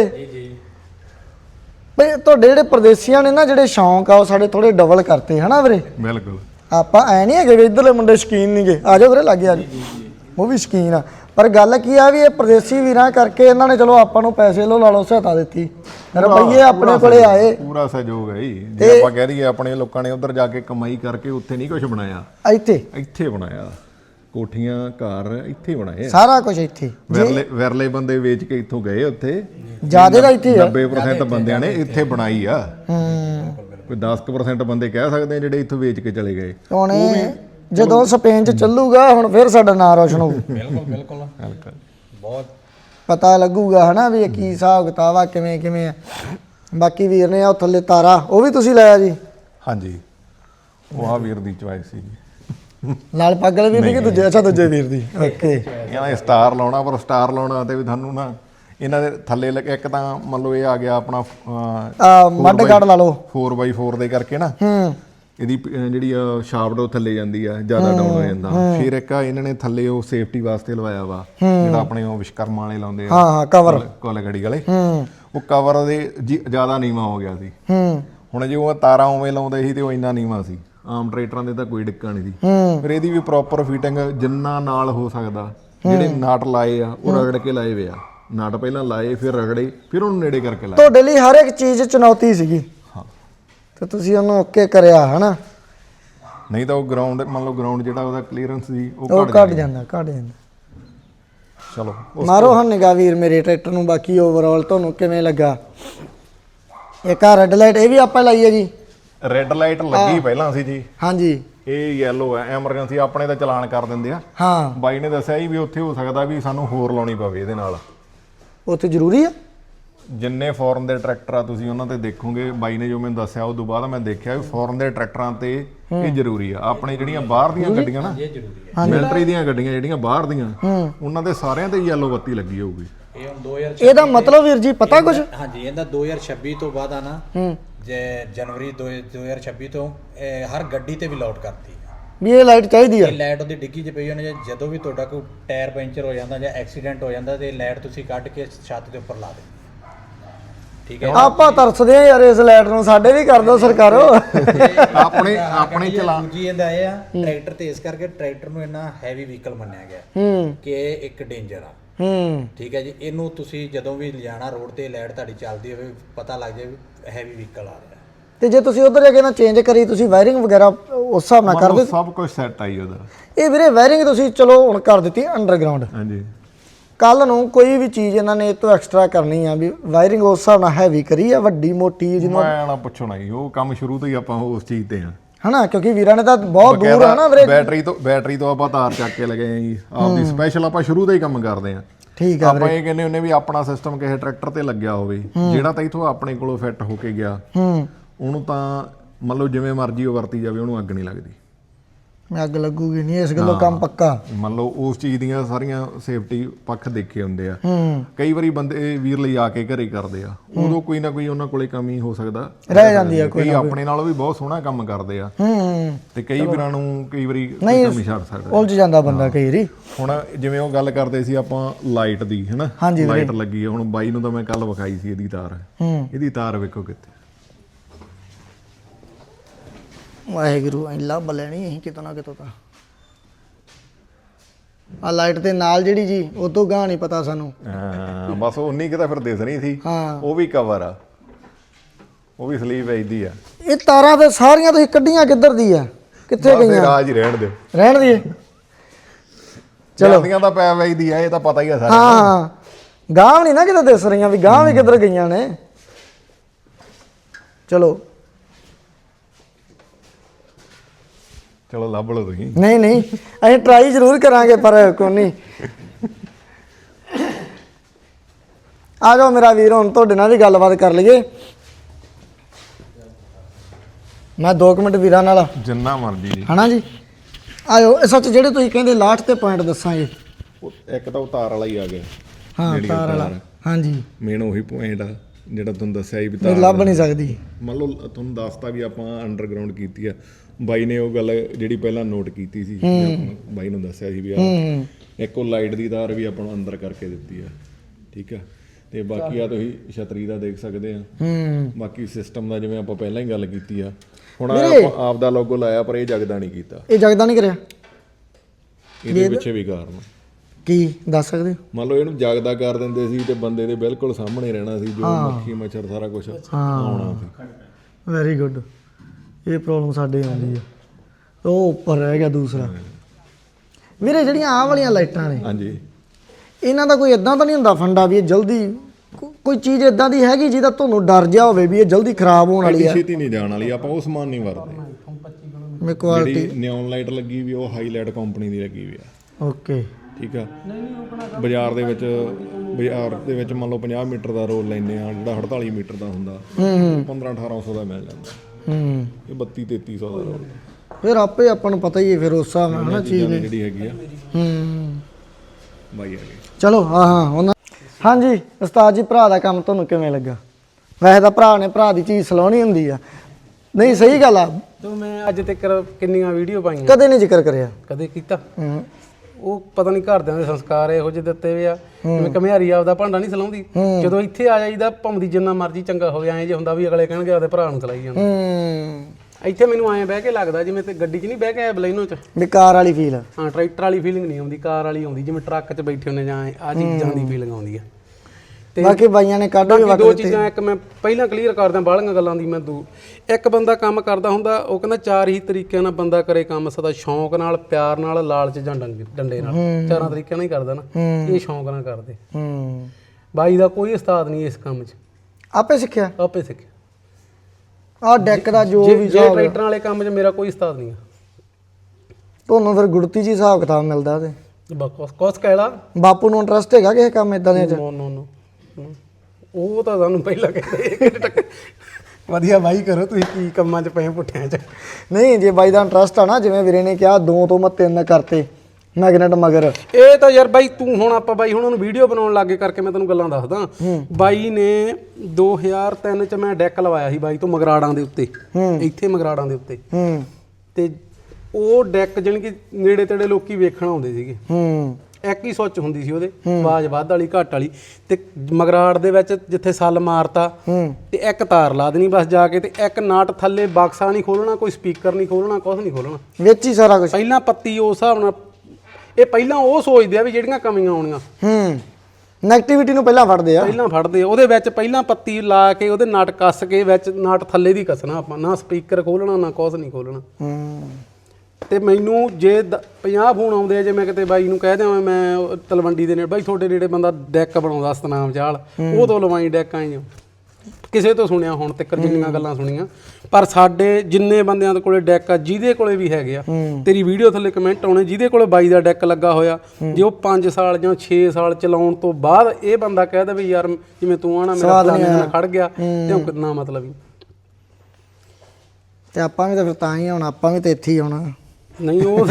A: ਬਈ ਤੁਹਾਡੇ ਜਿਹੜੇ ਪਰਦੇਸੀਆਂ ਨੇ ਨਾ ਜਿਹੜੇ ਸ਼ੌਂਕ ਆ ਉਹ ਸਾਡੇ ਥੋੜੇ ਡਬਲ ਕਰਤੇ ਹਨਾ ਵੀਰੇ?
C: ਬਿਲਕੁਲ।
A: ਆਪਾਂ ਐ ਨਹੀਂ ਹੈਗੇ ਵੀ ਇੱਧਰਲੇ ਮੁੰਡੇ ਸ਼ੌਕੀਨ ਨਹੀਂਗੇ, ਆ ਜਾਓ ਵੀਰੇ ਲਾਗੇ ਆ ਜਾਓ, ਉਹ ਵੀ ਸ਼ੌਕੀਨ ਆ। ਪਰ ਗੱਲ ਕੀ ਆ ਵੀ ਇਹ ਪਰਦੇਸੀ ਵੀਰਾਂ ਕਰਕੇ ਇਹਨਾਂ ਨੇ ਚਲੋ ਆਪਾਂ ਨੂੰ ਪੈਸੇ ਲੋ ਲਾ ਲਓ ਸਹਾਇਤਾ ਦਿੱਤੀ, ਰੁਪਈਏ ਆਪਣੇ ਕੋਲੇ ਆਏ।
C: ਪੂਰਾ ਸਹਿਯੋਗ ਹੈ ਜੀ। ਜੇ ਆਪਾਂ ਕਹਿ ਦਈਏ ਆਪਣੇ ਲੋਕਾਂ ਨੇ ਉੱਧਰ ਜਾ ਕੇ ਕਮਾਈ ਕਰਕੇ ਉੱਥੇ ਨਹੀਂ ਕੁਝ ਬਣਾਇਆ, ਇੱਥੇ ਬਣਾਇਆ। ਕੋਠੀਆਂ ਘਰ ਇੱਥੇ ਬਣਾਏ,
A: ਸਾਰਾ ਕੁਝ ਇੱਥੇ।
C: ਵਿਰਲੇ ਬੰਦੇ ਵੇਚ ਕੇ ਇੱਥੋਂ ਗਏ ਉੱਥੇ,
A: ਜਿਆਦਾ ਦਾ ਇੱਥੇ
C: 90% ਬੰਦਿਆਂ ਨੇ ਇੱਥੇ ਬਣਾਈ ਆ। ਕੋਈ 10% ਬੰਦੇ ਕਹਿ ਸਕਦੇ ਆ ਜਿਹੜੇ ਇੱਥੋਂ ਵੇਚ ਕੇ ਚਲੇ ਗਏ।
A: ਜਦੋਂ ਸਪੇਨ ਚ ਚੱਲੂਗਾ ਹੁਣ ਫਿਰ ਸਾਡਾ ਨਾਂ ਰੋਸ਼ਨ ਹੋਊ।
B: ਬਿਲਕੁਲ ਬਹੁਤ
A: ਪਤਾ ਲੱਗੂਗਾ ਹਨਾ ਵੀ ਇਹ ਕੀ ਹਿਸਾਬ ਕਿਤਾਬ ਆ, ਕਿਵੇਂ ਕਿਵੇਂ ਆ। ਬਾਕੀ ਵੀਰ ਨੇ ਆ ਥੱਲੇ ਤਾਰਾ, ਉਹ ਵੀ ਤੁਸੀਂ ਲਾਇਆ ਜੀ?
C: ਹਾਂਜੀ, ਉਹ ਆ ਵੀਰ ਦੀ ਚੁਆਇਸ ਸੀ ਜੀ।
A: ਲਾਲ ਪੱਗ ਵਾਲੇ ਵੀਰ ਦੀ ਕਿ ਦੂਜੇ? ਅੱਛਾ ਦੂਜੇ ਵੀਰ ਦੀ। ਓਕੇ,
C: ਇਹਨਾਂ ਨੇ ਸਟਾਰ ਲਾਉਣਾ, ਪਰ ਸਟਾਰ ਲਾਉਣਾ ਤੇ ਵੀ ਤੁਹਾਨੂੰ ਨਾ ਇਹਨਾਂ ਦੇ ਥੱਲੇ ਇੱਕ ਤਾਂ ਮੰਨ ਲਓ ਇਹ ਆ ਗਿਆ ਆਪਣਾ
A: ਮੱਡ ਗਾਰਡ ਲਾ ਲਓ
C: 4x4 ਦੇ ਕਰਕੇ ਨਾ, ਇਹਦੀ ਜਿਹੜੀ ਸ਼ਾਫਟ ਉਹ ਥੱਲੇ ਜਾਂਦੀ ਆ, ਜ਼ਿਆਦਾ ਡਾਊਨ ਹੋ ਜਾਂਦਾ। ਫਿਰ ਇੱਕ ਆ ਇਹਨਾਂ ਨੇ ਥੱਲੇ ਉਹ ਸੇਫਟੀ ਵਾਸਤੇ ਲਵਾਇਆ ਵਾ, ਜਿਹੜਾ ਆਪਣੇ ਉਹ ਵਿਸ਼ਕਰਮਾ ਵਾਲੇ ਲਾਉਂਦੇ ਆ।
A: ਹਾਂ ਕਵਰ,
C: ਕੋਲਗੜੀ ਵਾਲੇ। ਉਹ ਕਵਰ ਉਹਦੇ ਜ਼ਿਆਦਾ ਨੀਵਾਂ ਹੋ ਗਿਆ ਸੀ। ਹੁਣ ਜੇ ਉਹ ਤਾਰਾਂ ਉਵੇਂ ਲਾਉਂਦੇ ਸੀ ਤੇ ਉਹ ਇੰਨਾ ਨੀਵਾਂ ਸੀ। ਆਮ ਟਰੈਕਟਰਾਂ ਦੇ ਤਾਂ ਕੋਈ ਡਿੱਕਾ ਨਹੀਂ ਸੀ। ਫਿਰ ਇਹਦੀ ਵੀ ਪ੍ਰੋਪਰ ਫਿਟਿੰਗ ਜਿੰਨਾ ਨਾਲ ਹੋ ਸਕਦਾ, ਜਿਹੜੇ ਨਾਟ ਲਾਏ ਆ ਉਹ ਰਗੜ ਕੇ ਲਾਏ ਵੇ ਆ। ਨਾਟ ਪਹਿਲਾਂ ਲਾਏ, ਫਿਰ ਰਗੜੇ, ਫਿਰ ਉਹਨੂੰ ਨੇੜੇ ਕਰਕੇ ਲਾਏ।
A: ਤੁਹਾਡੇ ਲਈ ਹਰ ਇੱਕ ਚੀਜ਼ ਚੁਣੌਤੀ ਸੀਗੀ ਤੇ ਤੁਸੀਂ ਉਹਨੂੰ ਓਕੇ ਕਰਿਆ ਹਨਾ?
C: ਨਹੀਂ ਤਾਂ ਉਹ ਗਰਾਊਂਡ ਮੰਨ ਲਓ ਗਰਾਊਂਡ ਜਿਹੜਾ ਉਹਦਾ ਕਲੀਅਰੈਂਸ ਸੀ ਉਹ
A: ਘਟ ਜਾਂਦਾ।
C: ਚਲੋ
A: ਮਾਰੋ ਹਾਂ ਨਿਗਾਹ ਵੀਰ ਮੇਰੇ ਟਰੈਕਟਰ ਨੂੰ। ਬਾਕੀ ਓਵਰਆਲ ਤੁਹਾਨੂੰ ਕਿਵੇਂ ਲੱਗਾ? ਇੱਕ ਆ ਰੈੱਡ ਲਾਈਟ, ਇਹ ਵੀ ਆਪਾਂ ਲਾਈ ਹੈ ਜੀ?
C: ਰੈੱਡ ਲਾਈਟ ਲੱਗੀ ਪਹਿਲਾਂ ਸੀ ਜੀ।
A: ਹਾਂਜੀ,
C: ਇਹ ਯੈਲੋ ਹੈ, ਐਮਰਜੈਂਸੀ ਆਪਣੇ ਤਾਂ ਚਲਾਨ ਕਰ ਦਿੰਦੇ ਆ।
A: ਹਾਂ,
C: ਬਾਈ ਨੇ ਦੱਸਿਆ ਜੀ ਵੀ ਉੱਥੇ ਹੋ ਸਕਦਾ ਵੀ ਸਾਨੂੰ ਹੋਰ ਲਾਉਣੀ ਪਵੇ ਇਹਦੇ ਨਾਲ।
A: ਉੱਥੇ ਜ਼ਰੂਰੀ ਆ?
C: ਜਿੰਨੇ ਫੋਰਨ ਦੇ ਟਰੈਕਟਰ ਆ ਤੁਸੀਂ ਉਹਨਾਂ ਤੇ ਦੇਖੋਗੇ, ਬਾਈ ਨੇ ਜੋ ਮੈਨੂੰ ਦੱਸਿਆ ਉਸ ਤੋਂ ਬਾਅਦ ਮੈਂ ਦੇਖਿਆ ਵੀ ਫੋਰਨ ਦੇ ਟਰੈਕਟਰਾਂ ਤੇ ਇਹ ਜ਼ਰੂਰੀ ਆ। ਆਪਣੇ ਜਿਹੜੀਆਂ ਬਾਹਰ ਦੀਆਂ ਗੱਡੀਆਂ ਨਾ, ਮਿਲਟਰੀ ਦੀਆਂ ਗੱਡੀਆਂ ਜਿਹੜੀਆਂ ਬਾਹਰ ਦੀਆਂ, ਉਹਨਾਂ ਦੇ ਸਾਰਿਆਂ ਤੇ ਯੈਲੋ ਬੱਤੀ ਲੱਗੀ ਹੋਊਗੀ।
B: ਇਹ ਹੁਣ 2000
A: ਇਹਦਾ ਮਤਲਬ ਵੀਰ ਜੀ ਪਤਾ ਕੁਝ?
B: ਹਾਂਜੀ, ਇਹਦਾ 2026 ਤੋਂ ਬਾਅਦ ਆ ਨਾ, ਜੇ ਜਨਵਰੀ 2026 ਤੋਂ ਹਰ ਗੱਡੀ ਤੇ ਵੀ ਲਾਟ ਕਰਤੀ
A: ਵੀ ਇਹ ਲਾਈਟ ਚਾਹੀਦੀ ਆ।
B: ਇਹ ਲਾਈਟ ਉਹਦੀ ਡਿੱਗੀ 'ਚ ਪਈ ਹੋਣੀ, ਜਦੋਂ ਵੀ ਤੁਹਾਡਾ ਕੋਈ ਟਾਇਰ ਪੈਂਚਰ ਹੋ ਜਾਂਦਾ ਜਾਂ ਐਕਸੀਡੈਂਟ ਹੋ ਜਾਂਦਾ ਤੇ ਲਾਈਟ ਤੁਸੀਂ ਕੱਢ ਕੇ ਛੱਤ ਦੇ ਉੱਪਰ ਲਾ ਦਿੰਦੇ। ਠੀਕ ਹੈ,
A: ਆਪਾਂ ਤਰਸਦੇ ਆ ਯਾਰ ਇਸ ਲਾਈਟ ਨੂੰ, ਸਾਡੇ ਵੀ ਕਰ ਦਿਓ ਸਰਕਾਰੋ।
C: ਆਪਣੇ ਚਲਾਨ
B: ਜੀ ਇਹਦਾ ਇਹ ਆ ਟਰੈਕਟਰ ਤੇ, ਇਸ ਕਰਕੇ ਟਰੈਕਟਰ ਨੂੰ ਇੰਨਾ ਹੈਵੀ ਵਹੀਕਲ ਮੰਨਿਆ ਗਿਆ ਕਿ ਇਹ ਇੱਕ ਡੇਂਜਰ ਆ। ਠੀਕ ਹੈ ਜੀ, ਇਹਨੂੰ ਤੁਸੀਂ ਜਦੋਂ ਵੀ ਲਿਜਾਣਾ ਰੋਡ ਤੇ, ਲਾਈਟ ਤੁਹਾਡੀ ਚੱਲਦੀ ਹੋਵੇ, ਪਤਾ ਲੱਗ ਜਾਏ ਹੈਵੀ ਵਹੀਕਲ ਆ ਰਿਹਾ। ਤੇ
A: ਜੇ ਤੁਸੀਂ ਉਧਰ ਜਾ ਕੇ ਨਾ ਚੇਂਜ ਕਰੀ, ਤੁਸੀਂ ਵਾਇਰਿੰਗ ਵਗੈਰਾ ਉਸ ਹਿਸਾਬ ਨਾਲ ਕਰਦੇ?
C: ਸਭ ਕੁਝ ਸੈੱਟ ਆਈ ਉਹਦਾ।
A: ਇਹ ਵੀਰੇ ਵਾਇਰਿੰਗ ਤੁਸੀਂ ਚਲੋ ਹੁਣ ਕਰ ਦਿੱਤੀ ਅੰਡਰਗਰਾਉਂਡ।
C: ਹਾਂਜੀ,
A: ਕੱਲ ਨੂੰ ਕੋਈ ਵੀ ਚੀਜ਼ ਇਹਨਾਂ ਨੇ ਇਹ ਤੋਂ ਐਕਸਟਰਾ ਕਰਨੀ ਆ, ਵੀ ਵਾਇਰਿੰਗ ਉਸ ਹਿਸਾਬ ਨਾਲ ਹੈਵੀ ਕਰੀ ਆ, ਵੱਡੀ ਮੋਟੀ ਜਿਹਨੂੰ
C: ਮੈਂ ਨਾ ਪੁੱਛੋ ਨਾ ਜੀ, ਉਹ ਕੰਮ ਸ਼ੁਰੂ ਤੋਂ ਹੀ ਆਪਾਂ ਉਸ ਚੀਜ਼ ਤੇ ਆ
A: ਹਨਾ, ਕਿਉਂਕਿ ਵੀਰਾਂ ਨੇ ਤਾਂ ਬਹੁਤ ਦੂਰ ਆ ਨਾ ਵੀਰੇ।
C: ਬੈਟਰੀ ਤੋਂ ਆਪਾਂ ਤਾਰ ਚੱਕ ਕੇ ਲਗੇ ਆ ਜੀ, ਆਪਦੀ ਸਪੈਸ਼ਲ ਆਪਾਂ ਸ਼ੁਰੂ ਤੋਂ ਹੀ ਕੰਮ ਕਰਦੇ ਆ।
A: ਠੀਕ ਆ,
C: ਆਪਾਂ ਇਹ ਕਹਿੰਦੇ ਹੁੰਨੇ ਵੀ ਆਪਣਾ ਸਿਸਟਮ ਕਿਸੇ ਟਰੈਕਟਰ ਤੇ ਲੱਗਿਆ ਹੋਵੇ, ਜਿਹੜਾ ਤਾਂ ਇਥੋਂ ਆਪਣੇ ਕੋਲੋਂ ਫਿੱਟ ਹੋ ਕੇ ਗਿਆ, ਉਹਨੂੰ ਤਾਂ ਮੰਨ ਲਓ ਜਿਵੇਂ ਮਰਜ਼ੀ ਉਹ ਵਰਤੀ ਜਾਵੇ, ਉਹਨੂੰ ਅੱਗ ਨਹੀਂ ਲੱਗਦੀ।
A: ਅੱਗ ਲੱਗੂਗੀ ਨਹੀਂ, ਇਸ ਗੱਲੋਂ ਕੰਮ ਪੱਕਾ।
C: ਮੰਨ ਲਓ ਉਸ ਚੀਜ਼ ਦੀਆਂ ਸਾਰੀਆਂ ਸੇਫਟੀ ਪੱਖ ਦੇਖੇ ਹੁੰਦੇ ਆ। ਕਈ ਵਾਰੀ ਬੰਦੇ ਵੀਰ ਲਈ ਆ ਕੇ ਘਰੇ ਕਰਦੇ ਆ, ਉਦੋਂ ਕੋਈ ਨਾ ਕੋਈ ਉਹਨਾਂ ਕੋਲੇ ਕਮੀ ਹੋ ਸਕਦਾ
A: ਰਹਿ ਜਾਂਦੀ ਆ।
C: ਕੋਈ ਆਪਣੇ ਨਾਲੋਂ ਵੀ ਬਹੁਤ ਸੋਹਣਾ ਕੰਮ ਕਰਦੇ ਆ, ਤੇ ਕਈ ਵੀਰਾਂ ਨੂੰ ਕਈ ਵਾਰੀ ਕਮੀ ਛੱਡ ਸਕਦਾ,
A: ਉਲਝ ਜਾਂਦਾ ਬੰਦਾ ਕਈ ਵਾਰੀ।
C: ਹੁਣ ਜਿਵੇਂ ਉਹ ਗੱਲ ਕਰਦੇ ਸੀ ਆਪਾਂ ਲਾਈਟ ਦੀ, ਹਨਾ, ਲਾਈਟ ਲੱਗੀ ਆ। ਹੁਣ ਬਾਈ ਨੂੰ ਤਾਂ ਮੈਂ ਕੱਲ ਵਿਖਾਈ ਸੀ ਇਹਦੀ ਤਾਰ, ਇਹਦੀ ਤਾਰ ਵੇਖੋ ਕਿੱਥੇ।
A: ਵਾਹਿਗੁਰੂ ਐ ਲੱਭ ਲੈਣੀ ਅਸੀਂ ਕਿਤੋਂ ਨਾ ਕਿਤੋਂ ਤਾਂ ਆ ਲਾਈਟ ਦੇ ਨਾਲ ਜਿਹੜੀ ਜੀ ਉਹ ਤੋਂ ਗਾਂ ਨਹੀਂ ਪਤਾ ਸਾਨੂੰ।
C: ਹਾਂ ਬਸ ਉਨੀ ਕਿ ਤਾਂ ਫਿਰ ਦਿਸਣੀ ਸੀ।
A: ਹਾਂ
C: ਉਹ ਵੀ ਕਵਰ ਆ, ਉਹ ਵੀ ਸਲੀਪ ਵੇਚਦੀ ਆ।
A: ਇਹ ਤਾਰਾਂ ਫਿਰ ਸਾਰੀਆਂ ਤੁਸੀਂ ਕੱਢੀਆਂ ਕਿੱਧਰ ਦੀ ਆ, ਕਿੱਥੇ
C: ਬਸ ਇਹ
A: ਗਈਆਂ?
C: ਰਾਜ ਹੀ ਰਹਿਣ ਦਿਓ,
A: ਰਹਿਣ ਦੀਏ। ਚਲੋ
C: ਜਾਂਦੀਆਂ ਤਾਂ ਪੈ ਵੇਚਦੀ ਆ, ਇਹ ਤਾਂ ਪਤਾ ਹੀ ਆ ਸਾਰਿਆਂ ਨੂੰ।
A: ਹਾਂ ਗਾਂ ਨਹੀਂ ਨਾ ਕਿਤੇ ਦਿਸ ਰਹੀਆਂ ਵੀ ਗਾਂ ਵੀ ਕਿੱਧਰ ਗਈਆਂ ਨੇ। ਚਲੋ
C: ਚਲੋ ਲੱਭ ਲਓ ਤੁਸੀਂ।
A: ਨਹੀਂ ਨਹੀਂ ਅਸੀਂ ਟਰਾਈ ਜ਼ਰੂਰ ਕਰਾਂਗੇ ਪਰ ਕੋਈ ਨਹੀਂ। ਆ ਜਾਓ ਮੇਰਾ ਵੀਰ, ਹੁਣ ਤੁਹਾਡੇ ਨਾਲ ਵੀ ਗੱਲਬਾਤ ਕਰ ਲਈਏ। ਮੈਂ 2 ਮਿੰਟ ਵੀਰਾਂ ਨਾਲ,
C: ਜਿੰਨਾ ਮਰਜੀ ਜੀ।
A: ਹਨਾ ਜੀ। ਆਇਓ ਸੱਚ ਜਿਹੜੇ ਤੁਸੀਂ ਕਹਿੰਦੇ ਲਾਸਟ ਤੇ ਪੁਆਇੰਟ ਦੱਸਾਂਗੇ।
C: ਇੱਕ ਤਾਂ ਉਹ ਤਾਰ ਵਾਲਾ ਹੀ ਆ ਗਿਆ।
A: ਹਾਂ ਤਾਰ ਵਾਲਾ, ਹਾਂਜੀ
C: ਮੇਨ ਉਹੀ ਪੁਆਇੰਟ ਆ ਜਿਹੜਾ ਤੁਹਾਨੂੰ ਦੱਸਿਆ ਸੀ ਵੀ
A: ਇਹ ਲੱਭ ਨਹੀਂ ਸਕਦੀ।
C: ਮੰਨ ਲਓ ਤੁਹਾਨੂੰ ਦੱਸਤਾ ਵੀ ਆਪਾਂ ਅੰਡਰਗਰਾਉਂਡ ਕੀਤੀ ਆ। ਬਾਈ ਨੇ ਉਹ ਗੱਲ ਜਿਹੜੀ ਪਹਿਲਾਂ ਨੋਟ ਕੀਤੀ ਸੀ, ਬਾਈ ਨੂੰ ਦੱਸਿਆ ਸੀ ਵੀ ਆ ਇੱਕ ਉਹ ਲਾਈਟ ਦੀ ਤਾਰ ਵੀ ਆਪਾਂ ਨੂੰ ਅੰਦਰ ਕਰਕੇ ਦਿੱਤੀ ਆ, ਠੀਕ ਆ। ਤੇ ਬਾਕੀ ਆ ਤੁਸੀਂ ਛਤਰੀ ਦਾ ਦੇਖ ਸਕਦੇ ਆ। ਬਾਕੀ ਸਿਸਟਮ ਦਾ ਜਿਵੇਂ ਆਪਾਂ ਪਹਿਲਾਂ ਹੀ ਗੱਲ ਕੀਤੀ ਆ, ਹੁਣ ਆਪਾਂ ਆਪ ਦਾ ਲੋਗੋ ਲਾਇਆ ਪਰ ਇਹ ਜਗਦਾ ਨਹੀਂ ਕੀਤਾ।
A: ਇਹ ਜਗਦਾ ਨਹੀਂ ਕਰਿਆ,
C: ਇਹਦੇ ਪਿੱਛੇ ਵੀ ਕਾਰਨ
A: ਕੀ ਦੱਸ ਸਕਦੇ ਹੋ?
C: ਮੰਨ ਲਓ ਇਹਨੂੰ ਜਾਗਦਾ ਕਰ ਦਿੰਦੇ ਸੀ ਤੇ ਬੰਦੇ ਦੇ ਬਿਲਕੁਲ ਸਾਹਮਣੇ ਰਹਿਣਾ ਸੀ, ਜੋ ਮੱਖੀ ਮੱਛਰ ਸਾਰਾ ਕੁਝ ਆਉਣਾ ਸੀ।
A: Very good. ਇਹ ਪ੍ਰੋਬਲਮ ਸਾਡੇ ਆਉਂਦੀ ਆ। ਉਹ ਉੱਪਰ ਰਹਿ ਗਿਆ ਦੂਸਰਾ। ਵੀਰੇ ਜਿਹੜੀਆਂ ਆਹ ਵਾਲੀਆਂ ਲਾਈਟਾਂ ਨੇ,
C: ਹਾਂਜੀ,
A: ਇਹਨਾਂ ਦਾ ਕੋਈ ਇਦਾਂ ਤਾਂ ਨਹੀਂ ਹੁੰਦਾ ਫੰਡਾ ਵੀ ਇਹ ਜਲਦੀ ਕੋਈ ਚੀਜ਼ ਇਦਾਂ ਦੀ ਹੈਗੀ ਜਿਹਦਾ ਤੁਹਾਨੂੰ ਡਰ ਜਿਹਾ ਹੋਵੇ ਵੀ ਇਹ ਜਲਦੀ ਖਰਾਬ ਹੋਣ ਵਾਲੀ ਆ?
C: ਛੇਤੀ ਨਹੀਂ ਜਾਣ ਵਾਲੀ, ਆਪਾਂ ਉਹ ਸਮਾਨ ਨਹੀਂ ਵਰਤਦੇ।
A: ਮੇ ਕੁਆਲਿਟੀ
C: ਜਿਹੜੀ ਨਿਓਨ ਲਾਈਟ ਲੱਗੀ ਵੀ ਉਹ ਹਾਈਲਾਈਟ ਕੰਪਨੀ ਦੀ ਲੱਗੀ ਵੀ ਆ,
A: ਓਕੇ
C: ਠੀਕ ਆ। ਬਾਜ਼ਾਰ ਦੇ ਵਿੱਚ ਮੰਨ ਲਓ 50 ਮੀਟਰ ਦਾ ਰੋਲ ਲੈਂਦੇ ਆ, ਜਿਹੜਾ 48 ਮੀਟਰ ਦਾ ਹੁੰਦਾ 1500-1800 ਦਾ ਮਿਲ ਜਾਂਦਾ। ਇਹ 3200-3300 ਦਾ ਰੋਲ।
A: ਫਿਰ ਆਪੇ ਆਪਾਂ ਨੂੰ ਪਤਾ ਹੀ ਹੈ ਫਿਰ ਉਸ ਹਿਸਾਬ ਨਾਲ ਨਾ ਚੀਜ਼
C: ਜਿਹੜੀ ਹੈਗੀ ਆ। ਬਾਈ ਆ ਗਏ।
A: ਚਲੋ ਹਾਂ ਹਾਂਜੀ ਉਸਤਾਦ ਜੀ, ਭਰਾ ਦਾ ਕੰਮ ਤੁਹਾਨੂੰ ਕਿਵੇਂ ਲੱਗਾ? ਵੈਸੇ ਤਾਂ ਭਰਾ ਨੇ ਭਰਾ ਦੀ ਚੀਜ਼ ਸਲਾਉਣੀ ਹੁੰਦੀ ਆ। ਨਹੀਂ ਸਹੀ ਗੱਲ ਆ।
D: ਤੇ ਮੈਂ ਅੱਜ ਤੱਕ ਕਿੰਨੀਆਂ ਵੀਡੀਓ ਪਾਈਆਂ,
A: ਕਦੇ ਨਹੀਂ ਜ਼ਿਕਰ ਕਰਿਆ।
D: ਕਦੇ ਕੀਤਾ? ਉਹ ਪਤਾ ਨਹੀਂ ਘਰਦਿਆਂ ਦੇ ਸੰਸਕਾਰ ਇਹੋ ਜਿਹੇ ਦਿੱਤੇ ਵੇ ਆ। ਜਿਵੇਂ ਘਮਿਆਰੀ ਆਪਦਾ ਭਾਂਡਾ ਨਹੀਂ ਸਲਾਉਂਦੀ, ਜਦੋਂ ਇੱਥੇ ਆ ਜਾਈਦਾ ਭਾਵੇਂ ਜਿੰਨਾ ਮਰਜ਼ੀ ਚੰਗਾ ਹੋਵੇ ਐਂ ਜੇ ਹੁੰਦਾ ਵੀ ਅਗਲੇ ਕਹਿਣਗੇ ਆਪਦੇ ਭਰਾ ਨੂੰ ਸਲਾਈ ਜਾਂਦਾ। ਇੱਥੇ ਮੈਨੂੰ ਐਂ ਬਹਿ ਕੇ ਲੱਗਦਾ ਜਿਵੇਂ ਤੇ ਗੱਡੀ 'ਚ ਨਹੀਂ ਬਹਿ ਕੇ ਆਇਆ ਬਲੈਨੋ 'ਚ,
A: ਵੀ ਕਾਰ ਵਾਲੀ ਫੀਲ।
D: ਹਾਂ ਟਰੈਕਟਰ ਵਾਲੀ ਫੀਲਿੰਗ ਨਹੀਂ ਆਉਂਦੀ, ਕਾਰ ਵਾਲੀ ਆਉਂਦੀ, ਜਿਵੇਂ ਟਰੱਕ 'ਚ ਬੈਠੇ ਹੁੰਦੇ ਜਾਂ ਆ ਚੀਜ਼ਾਂ ਦੀ ਫੀਲਿੰਗ ਆਉਂਦੀ ਆ। ਤੇ
A: ਬਾਕੀ ਬਾਈਆਂ ਨੇ ਕੱਢ ਵੀ
D: ਦੋ ਚੀਜ਼ਾਂ, ਇੱਕ ਮੈਂ ਪਹਿਲਾਂ ਕਲੀਅਰ ਕਰਦਾ ਬਾਹਲੀਆਂ ਗੱਲਾਂ ਦੀ। ਮੈਂ ਇੱਕ ਬੰਦਾ ਕੰਮ ਕਰਦਾ ਹੁੰਦਾ, ਉਹ ਕਹਿੰਦਾ 4 ਹੀ ਤਰੀਕਿਆਂ ਨਾਲ ਬੰਦਾ ਕਰੇ ਕੰਮ, ਸਦਾ ਸ਼ੌਂਕ ਨਾਲ, ਪਿਆਰ ਨਾਲ, ਲਾਲਚ ਜਾਂ ਡੰਡੇ ਨਾਲ। 4 ਤਰੀਕਿਆਂ ਨਾਲ ਹੀ ਕਰਦਾ ਨਾ। ਇਹ ਸ਼ੌਂਕ ਨਾਲ ਕਰਦੇ। ਬਾਈ ਦਾ ਕੋਈ ਉਸਤਾਦ ਨਹੀਂ ਇਸ ਕੰਮ 'ਚ,
A: ਆਪੇ ਸਿੱਖਿਆ,
D: ਆਪੇ ਸਿੱਖਿਆ।
A: ਆਹ ਡੈਕ ਦਾ ਜੋ ਵੀ
D: ਟਰੈਕਟਰਾਂ ਵਾਲੇ ਕੰਮ 'ਚ ਮੇਰਾ ਕੋਈ ਉਸਤਾਦ ਨਹੀਂ ਆ।
A: ਤੁਹਾਨੂੰ ਫਿਰ ਗੁੜਤੀ ਜੀ ਹਿਸਾਬ ਕਿਤਾਬ ਮਿਲਦਾ ਤੇ
D: ਕੁਛ ਕਹਿ ਲਾ।
A: ਬਾਪੂ ਨੂੰ ਇੰਟਰਸਟ ਹੈਗਾ ਕਿਸੇ ਕੰਮ ਇਦਾਂ ਦੇ 'ਚ?
D: ਨੋ ਉਹ ਤਾਂ ਸਾਨੂੰ ਪਹਿਲਾਂ ਕਹਿੰਦੇ ਵਧੀਆ ਬਾਈ ਕਰੋ ਤੁਸੀਂ, ਕੀ ਕੰਮਾਂ 'ਚ ਪਏ ਪੁੱਠਿਆਂ 'ਚ।
A: ਨਹੀਂ ਜੇ ਬਾਈ ਦਾ ਇੰਟਰਸਟ ਆ ਨਾ, ਜਿਵੇਂ ਵੀਰੇ ਨੇ ਕਿਹਾ 2 ਤੋਂ ਮੈਂ 3 ਕਰਤੇ ਮੈਗਨੇਟ ਮਗਰ।
D: ਇਹ ਤਾਂ ਯਾਰ ਬਾਈ ਤੂੰ ਹੁਣ ਆਪਾਂ ਬਾਈ ਹੁਣ ਉਹਨੂੰ ਵੀਡੀਓ ਬਣਾਉਣ ਲੱਗੇ ਕਰਕੇ ਮੈਂ ਤੈਨੂੰ ਗੱਲਾਂ ਦੱਸਦਾ। ਬਾਈ ਨੇ 2003 'ਚ ਮੈਂ ਡੈਕ ਲਵਾਇਆ ਸੀ ਬਾਈ ਤੋਂ ਮਗਰਾੜਾਂ ਦੇ ਉੱਤੇ, ਇੱਥੇ ਮਗਰਾੜਾਂ ਦੇ ਉੱਤੇ। ਤੇ ਉਹ ਡੈਕ ਜਾਣੀ ਕਿ ਨੇੜੇ ਤੇੜੇ ਲੋਕੀ ਵੇਖਣ ਆਉਂਦੇ ਸੀਗੇ। ਇੱਕ ਹੀ ਸੁੱਚ ਹੁੰਦੀ ਸੀ ਉਹਦੇ, ਆਵਾਜ਼ ਵੱਧ ਵਾਲੀ ਘੱਟ ਵਾਲੀ। ਤੇ ਮਗਰਾੜ ਦੇ ਵਿੱਚ ਜਿੱਥੇ ਸੱਲ ਮਾਰਤਾ ਤੇ ਇੱਕ ਤਾਰ ਲਾ ਦੇਣੀ ਬਸ ਜਾ ਕੇ, ਤੇ ਇੱਕ ਨਾਟ ਥੱਲੇ ਬਕਸਾ ਨਹੀਂ ਖੋਲਣਾ, ਕੋਈ ਸਪੀਕਰ ਨਹੀਂ ਖੋਲਣਾ, ਕੁਛ ਨਹੀਂ ਖੋਲਣਾ,
A: ਵਿੱਚ ਹੀ ਸਾਰਾ ਕੁਝ।
D: ਪਹਿਲਾਂ ਪੱਤੀ ਉਸ ਹਿਸਾਬ ਨਾਲ। ਇਹ ਪਹਿਲਾਂ ਉਹ ਸੋਚਦੇ ਆ ਵੀ ਜਿਹੜੀਆਂ ਕਮੀਆਂ ਆਉਣੀਆਂ,
A: ਨੈਗੇਟਿਵਿਟੀ ਨੂੰ ਪਹਿਲਾਂ ਫੜਦੇ ਆ,
D: ਪਹਿਲਾਂ ਫੜਦੇ ਆ। ਉਹਦੇ ਵਿੱਚ ਪਹਿਲਾਂ ਪੱਤੀ ਲਾ ਕੇ ਉਹਦੇ ਨਟ ਕੱਸ ਕੇ ਵਿੱਚ ਨਾਟ ਥੱਲੇ ਦੀ ਕੱਸਣਾ ਆਪਾਂ, ਨਾ ਸਪੀਕਰ ਖੋਲਣਾ ਨਾ ਕੁਛ ਨਹੀਂ ਖੋਲਣਾ। ਤੇ ਮੈਨੂੰ ਜੇ 50 ਫੋਨ ਆਉਂਦੇ ਆ, ਜੇ ਮੈਂ ਕਿਤੇ ਬਾਈ ਨੂੰ ਕਹਿ ਦਿਆਂ ਮੈਂ ਤਲਵੰਡੀ ਦੇ ਨੇੜੇ, ਬਾਈ ਤੁਹਾਡੇ ਨੇੜੇ ਬੰਦਾ ਡੈਕ ਬਣਾਉਂਦਾ ਸਤਨਾਮ ਚਾਲ, ਉਹ ਤੋਂ ਲਵਾਈ ਡੈਕ ਆਏ ਕਿਸੇ ਤੋਂ ਸੁਣਿਆ ਹੁਣ ਤੱਕ ਜਿੰਨੀਆਂ ਗੱਲਾਂ ਸੁਣੀਆਂ। ਪਰ ਸਾਡੇ ਜਿੰਨੇ ਬੰਦਿਆਂ ਦੇ ਕੋਲੇ ਡੈਕ ਆ, ਜਿਹਦੇ ਕੋਲੇ ਵੀ ਹੈਗੇ ਆ, ਤੇਰੀ ਵੀਡੀਓ ਥੱਲੇ ਕਮੈਂਟ ਆਉਣੇ ਜਿਹਦੇ ਕੋਲੇ ਬਾਈ ਦਾ ਡੈਕ ਲੱਗਾ ਹੋਇਆ, ਜੇ ਉਹ 5 ਸਾਲ ਜਾਂ 6 ਸਾਲ ਚਲਾਉਣ ਤੋਂ ਬਾਅਦ ਇਹ ਬੰਦਾ ਕਹਿ ਦੇਵੇ ਯਾਰ ਜਿਵੇਂ ਤੂੰ ਆਣਾ ਮੇਰਾ ਫਲਾਣੇ ਨਾਲ ਖੜ ਗਿਆ, ਤੇ ਉਹ ਕਿੰਨਾ ਮਤਲਬ।
A: ਤੇ ਆਪਾਂ ਵੀ ਤਾਂ ਫਿਰ ਤਾਂ ਹੀ ਆਉਣਾ, ਆਪਾਂ ਵੀ ਤਾਂ ਇੱਥੇ ਹੀ ਆਉਣਾ।
D: ਨਹੀਂ ਉਹ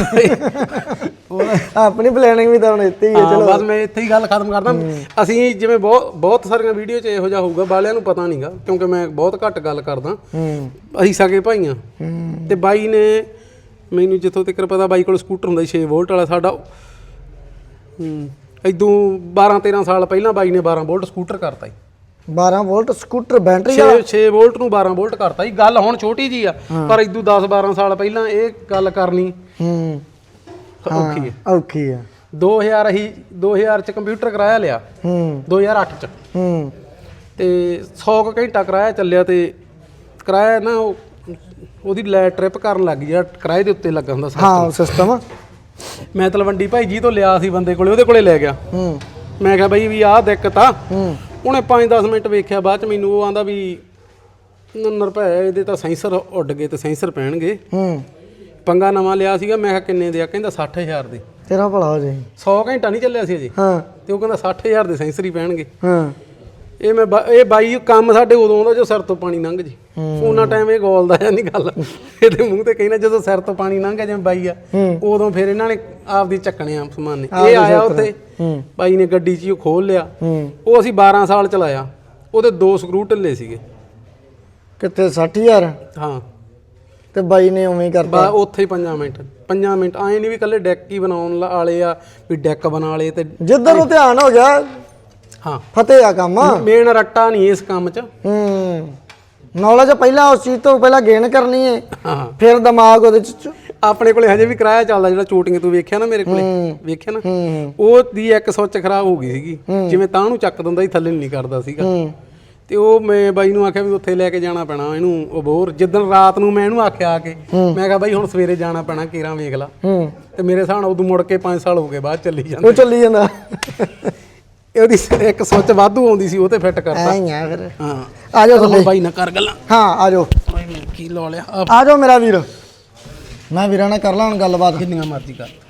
A: ਆਪਣੀ ਪਲੈਨਿੰਗ ਵੀ ਤਾਂ ਹੁਣ ਇੱਥੇ ਹੀ ਹੈ। ਚਲੋ
D: ਬਸ ਮੈਂ ਇੱਥੇ ਹੀ ਗੱਲ ਖਤਮ ਕਰਦਾ। ਅਸੀਂ ਜਿਵੇਂ ਬਹੁਤ ਸਾਰੀਆਂ ਵੀਡੀਓ 'ਚ ਇਹੋ ਜਿਹਾ ਹੋਊਗਾ, ਬਾਲਿਆਂ ਨੂੰ ਪਤਾ ਨਹੀਂਗਾ ਕਿਉਂਕਿ ਮੈਂ ਬਹੁਤ ਘੱਟ ਗੱਲ ਕਰਦਾ। ਅਸੀਂ ਸਕੇ ਭਾਈ ਆ। ਤੇ ਬਾਈ ਨੇ ਮੈਨੂੰ ਜਿੱਥੋਂ ਤੱਕ ਪਤਾ, ਬਾਈ ਕੋਲ ਸਕੂਟਰ ਹੁੰਦਾ 6 ਵੋਲਟ ਵਾਲਾ ਸਾਡਾ। ਇਦੋਂ 12-13 ਸਾਲ ਪਹਿਲਾਂ ਬਾਈ ਨੇ 12 ਵੋਲਟ ਸਕੂਟਰ ਕਰਤਾ ਸੀ।
A: 12 ਵੋਲਟ ਸਕੂਟਰ ਬੈਟਰੀ
D: 6 ਵੋਲਟ ਨੂੰ 12 ਵੋਲਟ ਕਰਤਾ ਜੀ। ਗੱਲ ਹੁਣ ਛੋਟੀ ਜੀ ਆ, ਪਰ ਇਦੋਂ 10-12 ਸਾਲ ਪਹਿਲਾਂ ਇਹ ਗੱਲ ਕਰਨੀ ਔਖੀ ਹੈ।
A: ਔਖੀ ਆ।
D: 2000 ਚ ਕੰਪਿਊਟਰ ਕਰਾਇਆ ਲਿਆ 2008 ਚ ਤੇ 100 ਕੁ ਘੰਟਾ ਕਰਾਇਆ ਚੱਲਿਆ ਤੇ ਕਰਾਇਆ ਨਾ ਉਹਦੀ ਲੈ ਟ੍ਰਿਪ ਕਰਨ ਲੱਗ ਗਿਆ, ਕਿਰਾਏ ਦੇ ਉੱਤੇ ਲੱਗਾ ਹੁੰਦਾ
A: ਹਾਂ ਸਿਸਟਮ।
D: ਮੈਂ ਤਲਵੰਡੀ ਭਾਈ ਜੀ ਤੋਂ ਲਿਆ ਸੀ ਬੰਦੇ ਕੋਲੇ, ਉਹਦੇ ਕੋਲੇ ਲੈ ਗਿਆ। ਮੈਂ ਕਿਹਾ ਬਈ ਵੀ ਆਹ ਦਿੱਕਤ ਆ। ਉਹਨੇ 5-10 ਮਿੰਟ ਵੇਖਿਆ, ਬਾਅਦ ਚ ਮੈਨੂੰ ਉਹ ਆਂਦਾ ਵੀ ਰੁਪਏ ਇਹਦੇ ਤਾਂ ਸੈਂਸਰ ਉੱਡ ਗਏ ਤੇ ਸੈਂਸਰ ਪੈਣਗੇ। ਪੰਗਾ ਨਵਾਂ ਲਿਆ ਸੀਗਾ। ਮੈਂ ਕਿਹਾ ਕਿੰਨੇ ਦੇ ਆ? ਕਹਿੰਦਾ 60000 ਦੇ।
A: ਤੇਰਾ ਭਲਾ ਹੋ ਜਾਏ।
D: 100 ਘੰਟਾ ਨਹੀਂ ਚੱਲਿਆ ਸੀ ਅਜੇ।
A: ਹਾਂ
D: ਤੇ ਉਹ ਕਹਿੰਦਾ 60000 ਦੇ ਸੈਂਸਰ ਹੀ ਪੈਣਗੇ।
A: ਹਾਂ
D: ਇਹ ਬਾਈ ਕੰਮ ਸਾਡੇ ਉਦੋਂ ਆਉਂਦਾ ਜੋ ਸਿਰ ਤੋਂ ਪਾਣੀ ਲੰਘ ਜੇ। ਉਹਨਾਂ ਟਾਈਮ ਇਹ ਗੋਲਦਾ ਜਾਂ ਨਹੀਂ ਗੱਲ, ਇਹਦੇ ਮੂੰਹ ਤੇ ਕਹਿਣਾ ਜਦੋਂ ਸਿਰ ਤੋਂ ਪਾਣੀ ਲੰਘ ਗਿਆ ਜਿਵੇਂ ਬਾਈ ਆ, ਉਦੋਂ ਫਿਰ ਇਹਨਾਂ ਨੇ ਆਪਦੀ ਚੱਕਣੇ ਆ ਸਮਾਨ ਨੇ। ਇਹ ਆਇਆ ਉੱਥੇ ਬਾਈ ਨੇ ਗੱਡੀ 'ਚ ਉਹ ਖੋਲ ਲਿਆ। ਉਹ ਅਸੀਂ 12 ਸਾਲ ਚਲਾਇਆ। ਉਹਦੇ 2 ਸਕਰੂ ਢਿੱਲੇ ਸੀਗੇ।
A: ਕਿੱਥੇ 60000?
D: ਹਾਂ
A: ਤੇ ਬਾਈ ਨੇ ਉਵੇਂ ਹੀ ਕਰਤਾ।
D: ਉੱਥੇ ਹੀ 5 ਮਿੰਟ ਆਏ ਨਹੀਂ ਵੀ ਕੱਲੇ ਡੈਕ ਹੀ ਬਣਾਉਣ ਵਾਲੇ ਆ ਵੀ ਡੈਕ ਬਣਾ ਲਏ ਤੇ
A: ਜਿੱਧਰ ਨੂੰ ਧਿਆਨ ਹੋ ਗਿਆ
D: ਹਾਂ
A: ਫਤਿਹ ਆ ਕੰਮ।
D: ਮੇਨ ਰੱਟਾ ਨਹੀਂ ਇਸ ਕੰਮ 'ਚ।
A: ਨੌਲੇਜ ਪਹਿਲਾਂ ਉਸ ਚੀਜ਼ ਤੋਂ ਪਹਿਲਾਂ ਗੇਨ ਕਰਨੀ ਹੈ,
D: ਹਾਂ
A: ਫਿਰ ਦਿਮਾਗ ਉਹਦੇ ਚ
D: ਆਪਣੇ ਕੋਲੇ ਹਜੇ ਵੀ ਕਿਰਾਇਆ ਚੱਲਦਾ ਜਿਹੜਾ ਚੋਟਿੰਗ ਤੂੰ ਵੇਖਿਆ ਨਾ ਮੇਰੇ ਕੋਲੇ, ਵੇਖਿਆ ਨਾ, ਉਹ ਦੀ ਇੱਕ ਸੁੱਚ ਖਰਾਬ ਹੋ ਗਈ ਸੀਗੀ। ਜਿਵੇਂ ਤਾਂ ਨੂੰ ਚੱਕ ਦਿੰਦਾ ਸੀ, ਥੱਲੇ ਨਹੀਂ ਕਰਦਾ ਸੀਗਾ। ਤੇ ਉਹ ਮੈਂ ਬਾਈ ਨੂੰ ਆਖਿਆ ਵੀ ਉੱਥੇ ਲੈ ਕੇ ਜਾਣਾ ਪੈਣਾ ਇਹਨੂੰ ਅਬੋਹਰ। ਜਿੱਦਣ ਰਾਤ ਨੂੰ ਮੈਂ ਇਹਨੂੰ ਆਖਿਆ ਆ ਕੇ, ਮੈਂ ਕਿਹਾ ਬਾਈ ਹੁਣ ਸਵੇਰੇ ਜਾਣਾ ਪੈਣਾ, ਕੇਰਾਂ ਵੇਖ ਲਾ। ਤੇ ਮੇਰੇ ਹਿਸਾਬ ਨਾਲ ਉਦੋਂ ਮੁੜ ਕੇ 5 ਸਾਲ ਹੋ ਗਏ ਬਾਅਦ ਚੱਲੀ ਜਾਂਦਾ।
A: ਉਹ ਚੱਲੀ ਜਾਂਦਾ।
D: ਉਹਦੀ ਇੱਕ ਸੁੱਚ ਵਾਧੂ ਆਉਂਦੀ ਸੀ, ਉਹ ਤੇ ਫਿੱਟ ਕਰਤਾ।
A: ਐਂ ਆ ਫਿਰ।
D: ਹਾਂ
A: ਆ ਜਾਓ ਥੱਲੇ।
D: ਬਾਈ ਨਾ ਕਰ ਗੱਲਾਂ।
A: ਹਾਂ ਆ ਜਾਓ।
D: ਕੀ ਲਾ ਲਿਆ?
A: ਆ ਜਾਓ ਮੇਰਾ ਵੀਰ। ਮੈਂ ਵੀਰਾਂ ਨਾਲ ਕਰ ਲਾਂ ਹੁਣ ਗੱਲਬਾਤ।
D: ਕਿੰਨੀਆਂ ਮਰਜ਼ੀ ਕਰ।